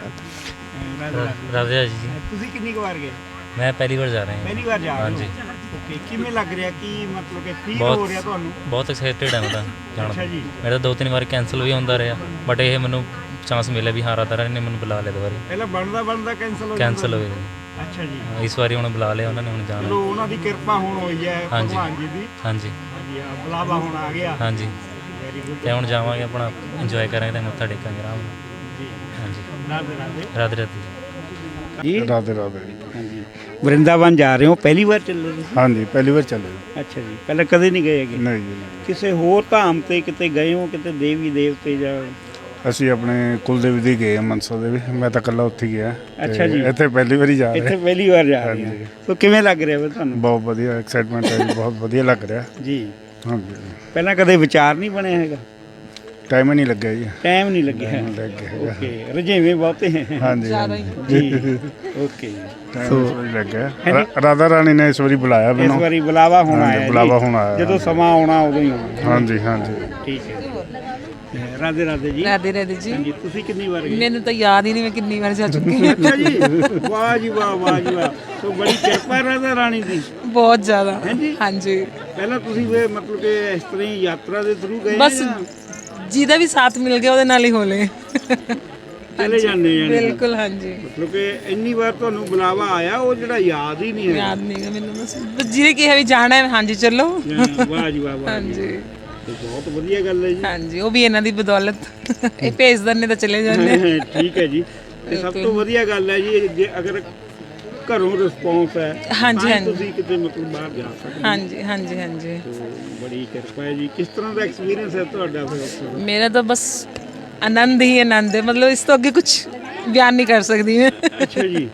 K: ਰਾਧੇ ਜੀ
A: ਤੁਸੀਂ ਕਿੰਨੀ ਕੁ ਵਾਰ ਗਏ?
K: ਮੈਂ ਪਹਿਲੀ ਵਾਰ ਜਾ ਰਿਹਾ
A: ਪਹਿਲੀ ਵਾਰ ਜਾ ਰਹੇ
K: ਹਾਂਜੀ
A: ਹੋ ਓਕੇ ਕਿਵੇਂ ਲੱਗ ਰਿਹਾ ਕੀ ਮਤਲਬ ਕਿ ਫੀਲ
K: ਬਹੁਤ-
A: ਹੋ ਰਿਹਾ ਤੁਹਾਨੂੰ?
K: ਬਹੁਤ ਐਕਸਾਈਟਡ ਹਾਂ ਮੈਂ ਤਾਂ ਜਾਣ
A: ਅੱਛਾ
K: ਦਾ
A: ਜੀ
K: ਮੇਰਾ ਦੋ ਤਿੰਨ ਵਾਰ ਕੈਂਸਲ ਵੀ ਹੁੰਦਾ ਰਿਹਾ ਬਟ ਇਹ ਮੈਨੂੰ ਚਾਂਸ ਮਿਲਿਆ ਵੀ ਹਾਂ ਰਾਧਾ ਰਾਣੀ ਨੇ ਮੈਨੂੰ ਬੁਲਾ ਲਿਆ ਦੁਬਾਰੇ
A: ਪਹਿਲਾਂ ਬਣਦਾ ਬਣਦਾ ਕੈਂਸਲ ਹੋ
K: ਕੈਂਸਲ
A: ਜਾਂਦਾ?
K: ਹੋ ਗਿਆ
A: ਅੱਛਾ ਜੀ
K: ਹਾਂ, ਇਸ ਵਾਰੀ ਹੁਣ ਬੁਲਾ ਲਿਆ ਉਹਨਾਂ ਨੇ ਹੁਣ ਜਾਣਾ
A: ਚਲੋ ਉਹਨਾਂ ਦੀ ਕਿਰਪਾ ਹੁਣ ਹੋਈ ਹੈ
K: ਹਾਂਜੀ।
A: ਭਗਵਾਨ ਜੀ ਦੀ
K: ਹਾਂਜੀ
A: ਹਾਂਜੀ ਆ ਬੁਲਾਵਾ ਹੁਣ ਆ ਗਿਆ
K: ਹਾਂਜੀ
A: ਵੈਰੀ ਗੁੱਡ
K: ਤੇ ਹੁਣ ਜਾਵਾਂਗੇ ਆਪਣਾ ਇੰਜੋਏ ਕਰਾਂਗੇ ਤੇ ਮੱਥਾ ਟੇਕਾਂਗੇ ਆਰਾਮ ਨਾਲ
A: ਜੀ
K: ਹਾਂਜੀ
A: ਰਾਧੇ ਰਾਧੇ
K: ਰਾਧੇ ਰਾਧੇ
A: ਜੀ
L: ਰਾਧੇ ਰਾਧੇ
A: ਹਾਂਜੀ ਵਰਿੰਦਾਵਨ ਜਾ ਰਹੇ ਹੋ ਪਹਿਲੀ ਵਾਰ ਚੱਲੇ ਤੁਸੀਂ?
L: ਹਾਂਜੀ ਪਹਿਲੀ ਵਾਰ ਚੱਲੇ
A: ਅੱਛਾ ਜੀ ਪਹਿਲਾਂ ਕਦੇ ਨਹੀਂ ਗਏ ਹੈਗੇ?
L: ਨਹੀਂ ਜੀ ਨਹੀਂ।
A: ਕਿਸੇ ਹੋਰ ਧਾਮ ਤੇ ਕਿਤੇ ਗਏ ਹੋ ਕਿਤੇ ਦੇਵੀ ਦੇਵਤੇ ਜਾਂ?
L: ਅਸੀਂ ਆਪਣੇ ਕੁਲਦੇਵੀ ਦੀ ਗਏ ਹਾਂ, ਮਨਸਾ ਦੇਵੀ। ਮੈਂ ਤਾਂ ਇਕੱਲਾ ਉੱਥੇ ਗਿਆ ਤੇ
A: ਅੱਛਾ ਜੀ।
L: ਇੱਥੇ ਪਹਿਲੀ ਵਾਰੀ ਜਾ
A: ਇੱਥੇ
L: ਰਹੇ
A: ਪਹਿਲੀ ਵਾਰ ਜਾ ਰਹੇ
L: ਹਾਂਜੀ।
A: ਹੋ ਸੋ ਕਿਵੇਂ ਲੱਗ ਰਿਹਾ ਵਾ ਤੁਹਾਨੂੰ?
L: ਬਹੁਤ ਵਧੀਆ ਐਕਸਾਈਟਮੈਂਟ ਹੈ ਜੀ, ਬਹੁਤ ਵਧੀਆ ਲੱਗ ਰਿਹਾ
A: ਜੀ
L: ਹਾਂਜੀ।
A: ਪਹਿਲਾਂ ਕਦੇ ਵਿਚਾਰ ਨਹੀਂ ਬਣਿਆ ਹੈਗਾ?
L: ਟਾਈਮ ਹੀ ਨਹੀਂ ਲੱਗਿਆ ਜੀ
A: ਟਾਈਮ ਨਹੀਂ ਲੱਗਿਆ
L: ਟਾਈਮ ਲੱਗ ਗਿਆ ਹੈਗਾ।
A: ਓਕੇ ਰਜੇਵੇਂ ਬਹੁਤੇ ਹੈ
L: ਹਾਂਜੀ ਹਾਂਜੀ।
A: ਜੀ ਓਕੇ
L: ਟਾਈਮ ਇਸ ਵਾਰੀ ਲੱਗ ਗਿਆ ਰਾ- ਰਾਧਾ ਰਾਣੀ ਨੇ ਇਸ ਵਾਰੀ ਬੁਲਾਇਆ
A: ਇਸ
L: ਮੈਨੂੰ
A: ਵਾਰੀ ਬੁਲਾਵਾ ਹੁਣ
L: ਹਾਂਜੀ,
A: ਆਇਆ ਜੀ।
L: ਬੁਲਾਵਾ ਹੁਣ ਆਇਆ।
A: ਜਦੋਂ ਸਮਾਂ ਆਉਣਾ ਉਦੋਂ ਹੀ ਆਉਣਾ
L: ਹਾਂਜੀ ਹਾਂਜੀ
A: ਠੀਕ ਹੈ ਰਾਧੇ ਰਾਧੇ ਜੀ
F: ਰਾਧੇ ਰਾਧੇ ਜੀ
A: ਹਾਂਜੀ ਤੁਸੀਂ ਕਿੰਨੀ ਵਾਰ ਗਏ?
F: ਮੈਨੂੰ ਤਾਂ ਯਾਦ ਹੀ ਨਹੀਂ ਮੈਂ ਕਿੰਨੀ ਵਾਰ ਜਾ ਚੁੱਕੀ ਹਾਂ
A: ਅੱਛਾ ਜੀ ਵਾਹ ਜੀ ਵਾਹ ਵਾਹ ਜੀ ਵਾਹ ਸੋ ਬੜੀ ਕਿਰਪਾ ਰਾਧਾ ਰਾਣੀ ਦੀ
F: ਬਹੁਤ ਜ਼ਿਆਦਾ
A: ਹਾਂਜੀ
F: ਹਾਂਜੀ
A: ਪਹਿਲਾਂ ਤੁਸੀਂ ਵੇ ਮਤਲਬ ਕਿ ਇਸ ਤਰ੍ਹਾਂ ਹੀ ਯਾਤਰਾ ਦੇ ਥਰੂ ਗਏ
F: ਬਸ
A: ਜਾਂ
F: ਜਿਹਦਾ ਵੀ ਸਾਥ ਮਿਲ ਗਿਆ ਉਹਦੇ ਨਾਲ ਹੀ ਹੋਲੇ
A: ਚਲੇ ਜਾਂਦੇ ਯਾਨੀ ਕਿ?
F: ਬਿਲਕੁਲ ਹਾਂਜੀ
A: ਮਤਲਬ ਕਿ ਇੰਨੀ ਵਾਰ ਤੁਹਾਨੂੰ ਬੁਲਾਵਾ ਆਇਆ ਉਹ ਜਿਹੜਾ ਯਾਦ ਹੀ ਨਹੀਂ ਹੈ
F: ਯਾਦ ਨਹੀਂ ਗਾ ਮੈਨੂੰ ਬਸ ਬਸ ਜਿਹਨੇ ਕਿਹਾ ਵੀ ਜਾਣਾ ਹੈ ਹਾਂਜੀ ਚੱਲੋ
A: ਵਾਹ ਜੀ ਵਾਹ ਵਾਹ ਜੀ।
F: ਹਾਂਜੀ
A: ਤੇ ਬਹੁਤ ਵਧੀਆ ਗੱਲ ਹੈ ਜੀ
F: ਹਾਂਜੀ ਉਹ ਵੀ ਇਹਨਾਂ ਦੀ ਬਦੌਲਤ ਇਹ ਭੇਜ ਦਿੰਦੇ ਤਾਂ ਚਲੇ ਜਾਂਦੇ
A: ਠੀਕ ਹੈ ਜੀ ਤੇ ਸਭ ਤੋਂ ਵਧੀਆ ਗੱਲ ਹੈ ਜੀ ਜੇ ਅਗਰ ਘਰੋਂ ਰਿਸਪੌਂਸ ਹੈ
F: ਹਾਂਜੀ,
A: ਤਾਂ ਹੀ
F: ਹਾਂਜੀ।
A: ਤੁਸੀਂ ਕਿਤੇ ਮਤਲਬ ਬਾਹਰ ਜਾ ਸਕਦੇ ਹੋ।
F: ਹਾਂਜੀ ਹਾਂਜੀ ਹਾਂਜੀ
A: ਤੋ ਬੜੀ ਕਿਰਪਾ ਹੈ ਜੀ ਕਿਸ ਤਰ੍ਹਾਂ ਦਾ ਐਕਸਪੀਰੀਅੰਸ ਹੈ ਤੁਹਾਡਾ ਫਿਰ ਉੱਥੇ ਦਾ?
F: ਮੇਰਾ ਤਾਂ ਬਸ ਆਨੰਦ ਹੀ ਆਨੰਦ ਹੈ ਮਤਲਬ ਇਸ ਤੋਂ ਅੱਗੇ ਕੁਝ ਬਿਆਨ ਨਹੀਂ ਕਰ ਸਕਦੀ ਮੈਂ
A: ਅੱਛਾ ਜੀ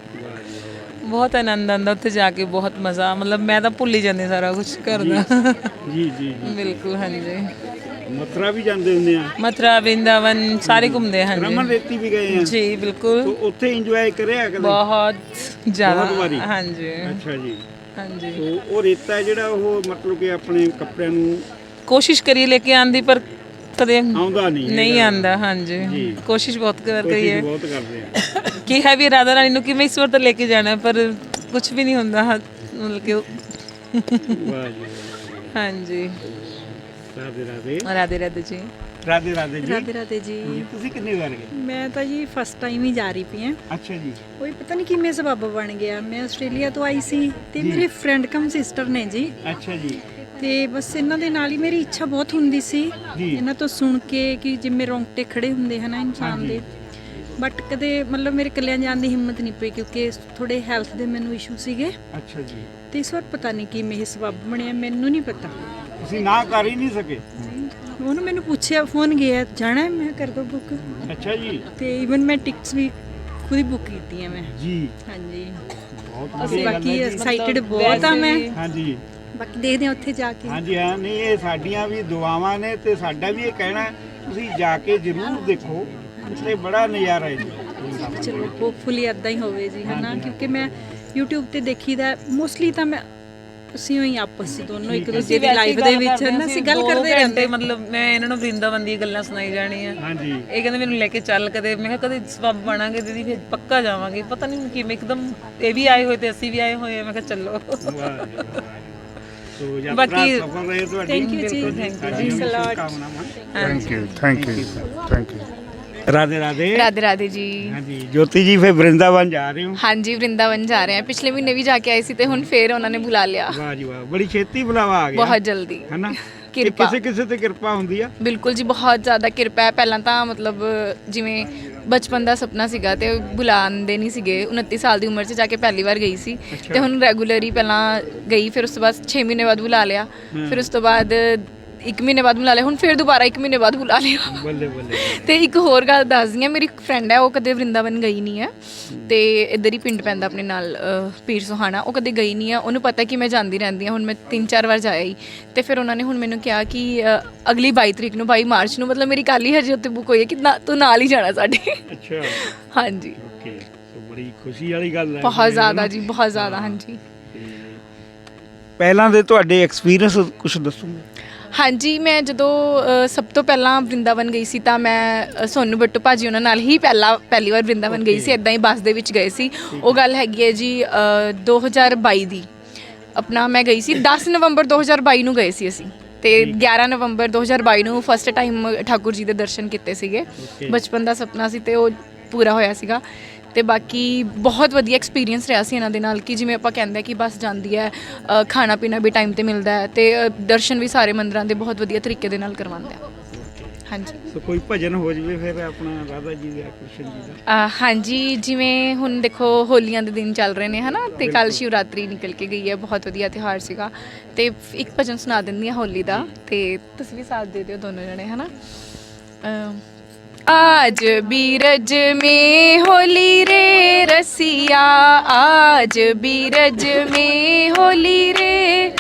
F: ਬਹੁਤ ਆਨੰਦ ਆਉਂਦਾ ਉੱਥੇ ਜਾ ਕੇ ਬਹੁਤ ਮਜ਼ਾ ਮਤਲਬ ਮੈਂ ਤਾਂ ਭੁੱਲ ਹੀ ਜਾਂਦੀ ਸਾਰਾ ਕੁਝ ਕਰਦਾ
A: ਜੀ ਜੀ ਜੀ
F: ਬਿਲਕੁਲ ਹਾਂਜੀ
A: ਮਥੁਰਾ ਵੀ ਜਾਂਦੇ ਹੁੰਦੇ ਆ
F: ਮਥੁਰਾ ਵਰਿੰਦਾਵਨ ਸਾਰੇ ਘੁੰਮਦੇ ਹਾਂ
A: ਰਮਨ
F: ਹਾਂਜੀ
A: ਰੇਤੀ ਵੀ ਗਏ ਆ
F: ਜੀ ਬਿਲਕੁਲ
A: ਤੋ ਉੱਥੇ ਇੰਜੋਏ ਕਰਿਆ ਕਦੇ?
F: ਬਹੁਤ ਜ਼ਿਆਦਾ
A: ਬਹੁਤ ਵਾਰੀ?
F: ਹਾਂਜੀ
A: ਅੱਛਾ ਜੀ
F: ਹਾਂਜੀ
A: ਤੋ ਉਹ ਰੇਤਾ ਹੈ ਜਿਹੜਾ ਉਹ ਮਤਲਬ ਕਿ ਆਪਣੇ ਕੱਪੜਿਆਂ ਨੂੰ
F: ਕੋਸ਼ਿਸ਼ ਕਰੀ ਲੈ ਕੇ ਆਂਦੀ ਪਰ ਕਦੇ
A: ਆਉਂਦਾ ਨਹੀਂ
F: ਨਹੀਂ
A: ਹੈਗਾ।
F: ਆਂਦਾ ਹਾਂਜੀ
A: ਜੀ।
F: ਕੋਸ਼ਿਸ਼ ਬਹੁਤ ਕਰ ਰਹੀ
A: ਕੋਸ਼ਿਸ਼
F: ਹੈ
A: ਬਹੁਤ ਕਰਦੇ ਆ
F: ਕਿ ਹੈ ਵੀ ਰਾਧਾ ਰਾਣੀ ਨੂੰ ਕਿ ਮੈਂ ਇਸ ਵਾਰ ਤਾਂ ਲੈ ਕੇ ਜਾਣਾ ਹੈ, ਪਰ ਕੁਝ ਵੀ ਨਹੀਂ ਹੁੰਦਾ ਹਾਂ, ਮਤਲਬ ਕਿ ਉਹ-
A: ਵਾਹ ਜੀ
F: ਹਾਂਜੀ
A: ਰਾਧੇ ਰਾਧੇ
F: ਰਾਧੇ ਰਾਧੇ ਜੀ
A: ਰਾਧੇ ਰਾਧੇ ਜੀ
M: ਰਾਧੇ ਰਾਧੇ ਜੀ
A: ਜੀ ਤੁਸੀਂ ਕਿੰਨੇ ਵਾਰ ਗਏ?
M: ਮੈਂ ਤਾਂ ਜੀ ਫਸਟ ਟਾਈਮ ਹੀ ਜਾ ਰਹੀ ਪਈ ਹਾਂ
A: ਅੱਛਾ ਜੀ
M: ਕੋਈ ਪਤਾ ਨਹੀਂ ਕਿਵੇਂ ਸਬੱਬ ਬਣ ਗਿਆ ਮੈਂ ਆਸਟ੍ਰੇਲੀਆ ਤੋਂ ਆਈ ਸੀ ਤੇ ਮੇਰੇ ਫਰੈਂਡ ਕਮ ਸਿਸਟਰ ਨੇ ਜੀ
A: ਅੱਛਾ ਜੀ
M: ਤੇ ਬਸ ਇਹਨਾਂ ਦੇ ਨਾਲ ਹੀ ਮੇਰੀ ਇੱਛਾ ਬਹੁਤ ਹੁੰਦੀ ਸੀ
A: ਜੀ।
M: ਇਹਨਾਂ ਤੋਂ ਸੁਣ ਕੇ ਕਿ ਜਿਵੇਂ ਰੌਂਗਟੇ ਖੜੇ ਹੁੰਦੇ ਹਨ ਇਨਸਾਨ ਦੇ ਬਟ ਕਦੇ ਮਤਲਬ ਮੇਰੇ ਇਕੱਲਿਆਂ ਜਾਣ ਦੀ ਹਿੰਮਤ ਨਹੀਂ ਪਈ ਕਿਉਂਕਿ ਥੋੜੇ ਹੈਲਥ ਦੇ ਮੈਨੂੰ ਇਸ਼ੂ ਸੀਗੇ
A: ਅੱਛਾ ਜੀ
M: ਤੇ ਇਸ ਵਾਰ ਪਤਾ ਨਹੀਂ ਕਿਵੇਂ ਇਹ ਸਬੱਬ ਬਣਿਆ ਮੈਨੂੰ ਨਹੀਂ ਪਤਾ
A: ਤੁਸੀਂ ਨਾ ਕਰ ਹੀ ਨਹੀਂ ਸਕੇ
M: ਉਹਨੂੰ ਮੈਨੂੰ ਪੁੱਛਿਆ ਫੋਨ ਗਿਆ ਜਾਣਾ ਹੈ? ਮੈਂ ਕਿਹਾ ਕਰ ਦੋ ਬੁੱਕ
A: ਅੱਛਾ ਜੀ
M: ਤੇ ਇਵਨ ਮੈਂ ਟਿਕਟਸ ਵੀ ਖੁਦ ਹੀ ਬੁੱਕ ਕੀਤੀਆਂ ਮੈਂ
A: ਜੀ
M: ਹਾਂਜੀ
A: ਬਹੁਤ
M: ਅਸੀਂ
A: ਵਧੀਆ ਗੱਲ
M: ਬਾਕੀ
A: ਹੈ ਜੀ।
M: ਐਕਸਾਈਟਡ ਬਹੁਤ ਆ ਮੈਂ
A: ਹਾਂਜੀ
M: ਬਾਕੀ ਦੇਖਦੇ ਹਾਂ ਉੱਥੇ ਜਾ ਕੇ
A: ਹਾਂਜੀ ਹਾਂ ਨਹੀਂ ਇਹ ਸਾਡੀਆਂ ਵੀ ਦੁਆਵਾਂ ਨੇ ਤੇ ਸਾਡਾ ਵੀ ਇਹ ਕਹਿਣਾ ਹੈ, ਤੁਸੀਂ ਜਾ ਕੇ ਜ਼ਰੂਰ ਦੇਖੋ ਉੱਥੇ ਬੜਾ ਨਜ਼ਾਰਾ ਹੈ ਜੀ
M: ਚਲੋ ਹੋਪਫੁਲੀ ਇਦਾਂ ਹੀ ਹੋਵੇ ਜੀ ਹਨਾ ਕਿਉਂਕਿ ਮੈਂ YouTube ਤੇ ਦੇਖੀਦਾ ਮੋਸਟਲੀ ਤਾਂ ਮੈਂ ਅਸੀਂ ਹੀ ਆਪਸ ਵਿੱਚ ਦੋਨੋਂ ਇੱਕ ਦੂਜੇ ਦੀ ਲਾਈਫ ਦੇ ਵਿੱਚ ਨਾ ਅਸੀਂ ਗੱਲ ਕਰਦੇ ਰਹਿੰਦੇ
F: ਮਤਲਬ ਮੈਂ ਇਹਨਾਂ ਨੂੰ ਵਰਿੰਦਾਵਨ ਦੀਆਂ ਗੱਲਾਂ ਸੁਣਾਈ ਜਾਣੀਆਂ
A: ਹਾਂਜੀ
F: ਇਹ ਕਹਿੰਦੇ ਮੈਨੂੰ ਲੈ ਕੇ ਚੱਲ ਕਦੇ ਮੈਂ ਕਿਹਾ ਕਦੇ ਸਬੱਬ ਬਣਾਂਗੇ ਦੀਦੀ ਫਿਰ ਪੱਕਾ ਜਾਵਾਂਗੇ ਪਤਾ ਨਹੀਂ ਕਿਵੇਂ ਇੱਕਦਮ ਇਹ ਵੀ ਆਏ ਹੋਏ ਤੇ ਅਸੀਂ ਵੀ ਆਏ ਹੋਏ ਹਾਂ ਮੈਂ ਕਿਹਾ ਚੱਲੋ
A: ਵਾਹ ਜੀ, ਵਾਹ। ਸੋ ਯਾਤਰਾ
F: ਬਾਕੀ-
A: ਸਫਲ ਰਹੇ ਤੁਹਾਡੀ
M: ਥੈਂਕ ਯੂ ਜੀ
F: ਬਿਲਕੁਲ, thank you
A: ਸਾਡੀਆਂ ਵੀ
M: ਜੀ ਸਲਾਟ
A: ਸ਼ੁਭਕਾਮਨਾਵਾਂ।
L: Thank you thank you thank you
A: Radhe Radhe
C: Radhe Radhe ji
A: ਹਾਂਜੀ ਜੋਤੀ ਜੀ ਫਿਰ ਵਰਿੰਦਾਵਨ ਜਾ ਰਹੇ ਹੋ
C: ਹਾਂਜੀ ਵਰਿੰਦਾਵਨ ਜਾ ਰਹੇ ਹਾਂ ਪਿਛਲੇ ਮਹੀਨੇ ਵੀ ਜਾ ਕੇ ਆਏ ਸੀ ਤੇ ਹੁਣ ਫੇਰ ਉਹਨਾਂ ਨੇ ਬੁਲਾ ਲਿਆ
A: ਵਾਹ ਜੀ ਵਾਹ ਬੜੀ ਛੇਤੀ ਬੁਲਾਵਾ ਆ ਗਿਆ
C: ਬਹੁਤ ਜਲਦੀ
A: ਹੈਨਾ
C: ਕਿਰਪਾ।
A: ਕਿਸੇ ਕਿਸੇ ਤੇ ਕਿਰਪਾ ਹੁੰਦੀ ਆ
C: ਬਿਲਕੁਲ ਜੀ ਬਹੁਤ ਜ਼ਿਆਦਾ ਕਿਰਪਾ ਹੈ ਪਹਿਲਾਂ ਤਾਂ ਮਤਲਬ ਜਿਵੇਂ ਬਚਪਨ ਦਾ ਸੁਪਨਾ ਸੀਗਾ ਤੇ ਬੁਲਾਉਂਦੇ ਨਹੀਂ ਸੀਗੇ ਉਨੱਤੀ ਸਾਲ ਦੀ ਉਮਰ 'ਚ ਜਾ ਕੇ ਪਹਿਲੀ ਵਾਰ ਗਈ ਸੀ ਤੇ ਹੁਣ ਰੈਗੂਲਰੀ ਪਹਿਲਾਂ ਗਈ ਫਿਰ ਉਸ ਤੋਂ ਬਾਅਦ ਛੇ ਮਹੀਨੇ ਬਾਅਦ ਬੁਲਾ ਲਿਆ ਫਿਰ ਉਸ ਤੋਂ ਬਾਅਦ ਇੱਕ ਮਹੀਨੇ ਬਾਅਦ ਬੁਲਾ ਲਿਆ ਹੁਣ ਫਿਰ ਦੁਬਾਰਾ ਇੱਕ ਮਹੀਨੇ ਬਾਅਦ ਬੁਲਾ ਲਿਆ
A: ਬੱਲੇ ਬੱਲੇ
C: ਤੇ ਇੱਕ ਹੋਰ ਗੱਲ ਦੱਸਦੀ ਹਾਂ ਮੇਰੀ ਫਰੈਂਡ ਹੈ ਉਹ ਕਦੇ ਵਰਿੰਦਾਵਨ ਗਈ ਨਹੀਂ ਹੈ ਤੇ ਇੱਧਰ ਹੀ ਪਿੰਡ ਪੈਂਦਾ ਆਪਣੇ ਨਾਲ ਅਹ, ਪੀਰ ਸੁਹਾਣਾ ਉਹ ਕਦੇ ਗਈ ਨਹੀਂ ਹੈ ਉਹਨੂੰ ਪਤਾ ਕਿ ਮੈਂ ਜਾਂਦੀ ਰਹਿੰਦੀ ਹਾਂ ਹੁਣ ਮੈਂ ਤਿੰਨ ਚਾਰ ਵਾਰ ਜਾਇਆ ਹੀ ਤੇ ਫਿਰ ਉਹਨਾਂ ਨੇ ਹੁਣ ਮੈਨੂੰ ਕਿਹਾ ਕਿ ਅਹ, ਅਗਲੀ ਬਾਈ ਤਰੀਕ ਨੂੰ ਬਾਈ ਮਾਰਚ ਨੂੰ ਮਤਲਬ ਮੇਰੀ ਕੱਲ੍ਹ ਹੀ ਹਜੇ ਉੱਤੇ ਬੁੱਕ ਹੋਈ ਹੈ ਕਿ ਨਾ ਤੂੰ ਨਾਲ ਹੀ ਜਾਣਾ ਸਾਡੇ
A: ਅੱਛਾ
C: ਹਾਂਜੀ
A: ਓਕੇ ਸੋ ਬੜੀ ਖੁਸ਼ੀ ਵਾਲੀ ਗੱਲ ਹੈ
C: ਬਹੁਤ ਜ਼ਿਆਦਾ ਜੀ ਬਹੁਤ ਜ਼ਿਆਦਾ ਹਾਂਜੀ
A: ਪਹਿਲਾਂ ਦੇ ਤੁਹਾਡੇ ਐਕਸਪੀਰੀਅੰਸ ਕੁਝ ਦੱਸੋਗੇ
C: ਹਾਂਜੀ ਮੈਂ ਜਦੋਂ ਅ, ਸਭ ਤੋਂ ਪਹਿਲਾਂ ਵਰਿੰਦਾਵਨ ਗਈ ਸੀ ਤਾਂ ਮੈਂ ਅ, ਸੋਨੂ ਬੱਟੂ ਭਾਜੀ ਉਹਨਾਂ ਨਾਲ ਹੀ ਪਹਿਲਾ ਪਹਿਲੀ ਵਾਰ ਵਰਿੰਦਾਵਨ ਗਈ ਸੀ, ਇੱਦਾਂ ਹੀ ਬੱਸ ਦੇ ਵਿੱਚ ਗਏ ਸੀ। ਉਹ ਗੱਲ ਹੈਗੀ ਹੈ ਜੀ ਅ, ਦੋ ਹਜ਼ਾਰ ਬਾਈ ਦੀ, ਆਪਣਾ ਮੈਂ ਗਈ ਸੀ ਦਸ ਨਵੰਬਰ ਦੋ ਹਜ਼ਾਰ ਬਾਈ ਨੂੰ ਗਏ ਸੀ ਅਸੀਂ, ਤੇ ਗਿਆਰਾਂ ਨਵੰਬਰ ਦੋ ਹਜ਼ਾਰ ਬਾਈ ਨੂੰ ਫਸਟ ਟਾਈਮ ਠਾਕੁਰ ਜੀ ਦੇ ਦਰਸ਼ਨ ਕੀਤੇ ਸੀਗੇ। ਬਚਪਨ ਦਾ ਸੁਪਨਾ ਸੀ ਤੇ ਉਹ ਪੂਰਾ ਹੋਇਆ ਸੀਗਾ। ਤੇ ਬਾਕੀ ਬਹੁਤ ਵਧੀਆ ਐਕਸਪੀਰੀਅੰਸ ਰਿਹਾ ਸੀ ਇਹਨਾਂ ਦੇ ਨਾਲ ਕਿ ਜਿਵੇਂ ਆਪਾਂ ਕਹਿੰਦੇ ਕਿ ਬੱਸ ਜਾਂਦੀ ਹੈ, ਅ, ਖਾਣਾ ਪੀਣਾ ਵੀ ਟਾਈਮ ਤੇ ਮਿਲਦਾ ਹੈ ਤੇ ਅ, ਦਰਸ਼ਨ ਵੀ ਸਾਰੇ ਮੰਦਿਰਾਂ ਦੇ ਬਹੁਤ ਵਧੀਆ ਤਰੀਕੇ ਦੇ ਨਾਲ ਕਰਵਾਉਂਦੇ ਆ। ਹਾਂਜੀ
A: ਸੋ ਕੋਈ ਭਜਨ ਹੋ ਜਵੇ ਫਿਰ ਆਪਣਾ ਰਾਧਾ ਜੀ ਦਾ ਕ੍ਰਿਸ਼ਨ ਜੀ ਦਾ।
C: ਅ, ਹਾਂਜੀ ਜਿਵੇਂ ਹੁਣ ਦੇਖੋ ਹੋਲੀਆਂ ਦੇ ਦਿਨ ਚੱਲ ਰਹੇ ਨੇ ਹਨਾ, ਤੇ ਕੱਲ ਸ਼ਿਵਰਾਤਰੀ ਨਿਕਲ ਕੇ ਗਈ ਹੈ, ਬਹੁਤ ਵਧੀਆ ਤਿਉਹਾਰ ਸੀਗਾ। ਤੇ ਇੱਕ ਭਜਨ ਸੁਣਾ ਦਿੰਦੀ ਹਾਂ ਹੋਲੀ ਦਾ, ਤੇ ਤੁਸੀਂ ਵੀ ਸਾਥ ਦੇ ਦਿਓ ਦੋਨੋਂ ਜਣੇ ਹਨਾ। ਅ, आज बीरज में होली रे रसिया, आज बीरज में होली रे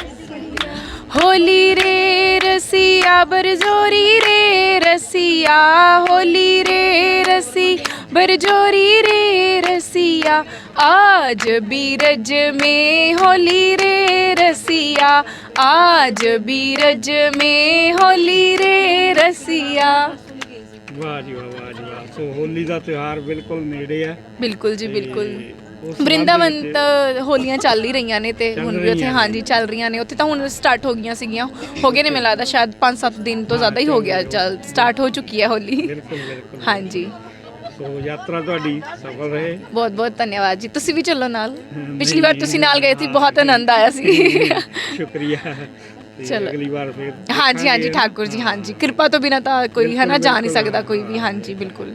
C: होली रे रसिया, बरजोरी रे रसिया, होली रे रसी बरजोरी रे रसिया, आज बीरज में होली रे रसिया, आज बीरज में होली रे रसिया।
A: ਵਾਹ ਜੀ ਵਾਹ, ਵਾਹ ਜੀ ਵਾਹ। ਸੋ ਹੋਲੀ ਦਾ ਤਿਉਹਾਰ ਬਿਲਕੁਲ ਨੇੜੇ ਹੈ।
C: ਬਿਲਕੁਲ ਜੀ ਬਿਲਕੁਲ। ਵਰਿੰਦਾਵਨ ਤਾਂ ਹੋਲੀਆਂ ਚੱਲ ਹੀ ਰਹੀਆਂ ਨੇ ਤੇ ਹੁਣ ਵੀ ਉੱਥੇ ਹਾਂਜੀ ਚੱਲ ਰਹੀਆਂ ਨੇ। ਉੱਥੇ ਤਾਂ ਹੁਣ ਸਟਾਰਟ ਹੋ ਗਈਆਂ ਸੀਗੀਆਂ, ਹੋ ਗਏ ਨੇ ਮੈਨੂੰ ਲੱਗਦਾ ਸ਼ਾਇਦ ਪੰਜ ਸੱਤ ਦਿਨ ਤੋਂ ਜ਼ਿਆਦਾ ਹੀ ਹੋ ਗਿਆ, ਚੱਲ ਸਟਾਰਟ ਹੋ ਚੁੱਕੀ ਹੈ ਹੋਲੀ।
A: ਬਿਲਕੁਲ ਬਿਲਕੁਲ
C: ਹਾਂਜੀ।
A: ਸੋ ਯਾਤਰਾ ਤੁਹਾਡੀ ਸਫਲ ਰਹੇ।
C: ਬਹੁਤ ਬਹੁਤ ਧੰਨਵਾਦ ਜੀ, ਤੁਸੀਂ ਵੀ ਚੱਲੋ ਨਾਲ। ਪਿਛਲੀ ਵਾਰ ਤੁਸੀਂ ਨਾਲ ਗਏ ਸੀ, ਬਹੁਤ ਆਨੰਦ ਆਇਆ ਸੀ।
A: ਸ਼ੁਕਰੀਆ।
C: ਚਲੋ
A: ਅਗਲੀ ਵਾਰ ਫਿਰ
C: ਹਾਂਜੀ ਹਾਂਜੀ ਠਾਕੁਰ ਜੀ, ਹਾਂਜੀ ਕਿਰਪਾ ਤੋਂ ਬਿਨਾਂ ਤਾਂ ਕੋਈ ਹੈ ਨਾ ਜਾ ਨਹੀਂ ਸਕਦਾ ਕੋਈ ਵੀ। ਹਾਂਜੀ ਬਿਲਕੁਲ।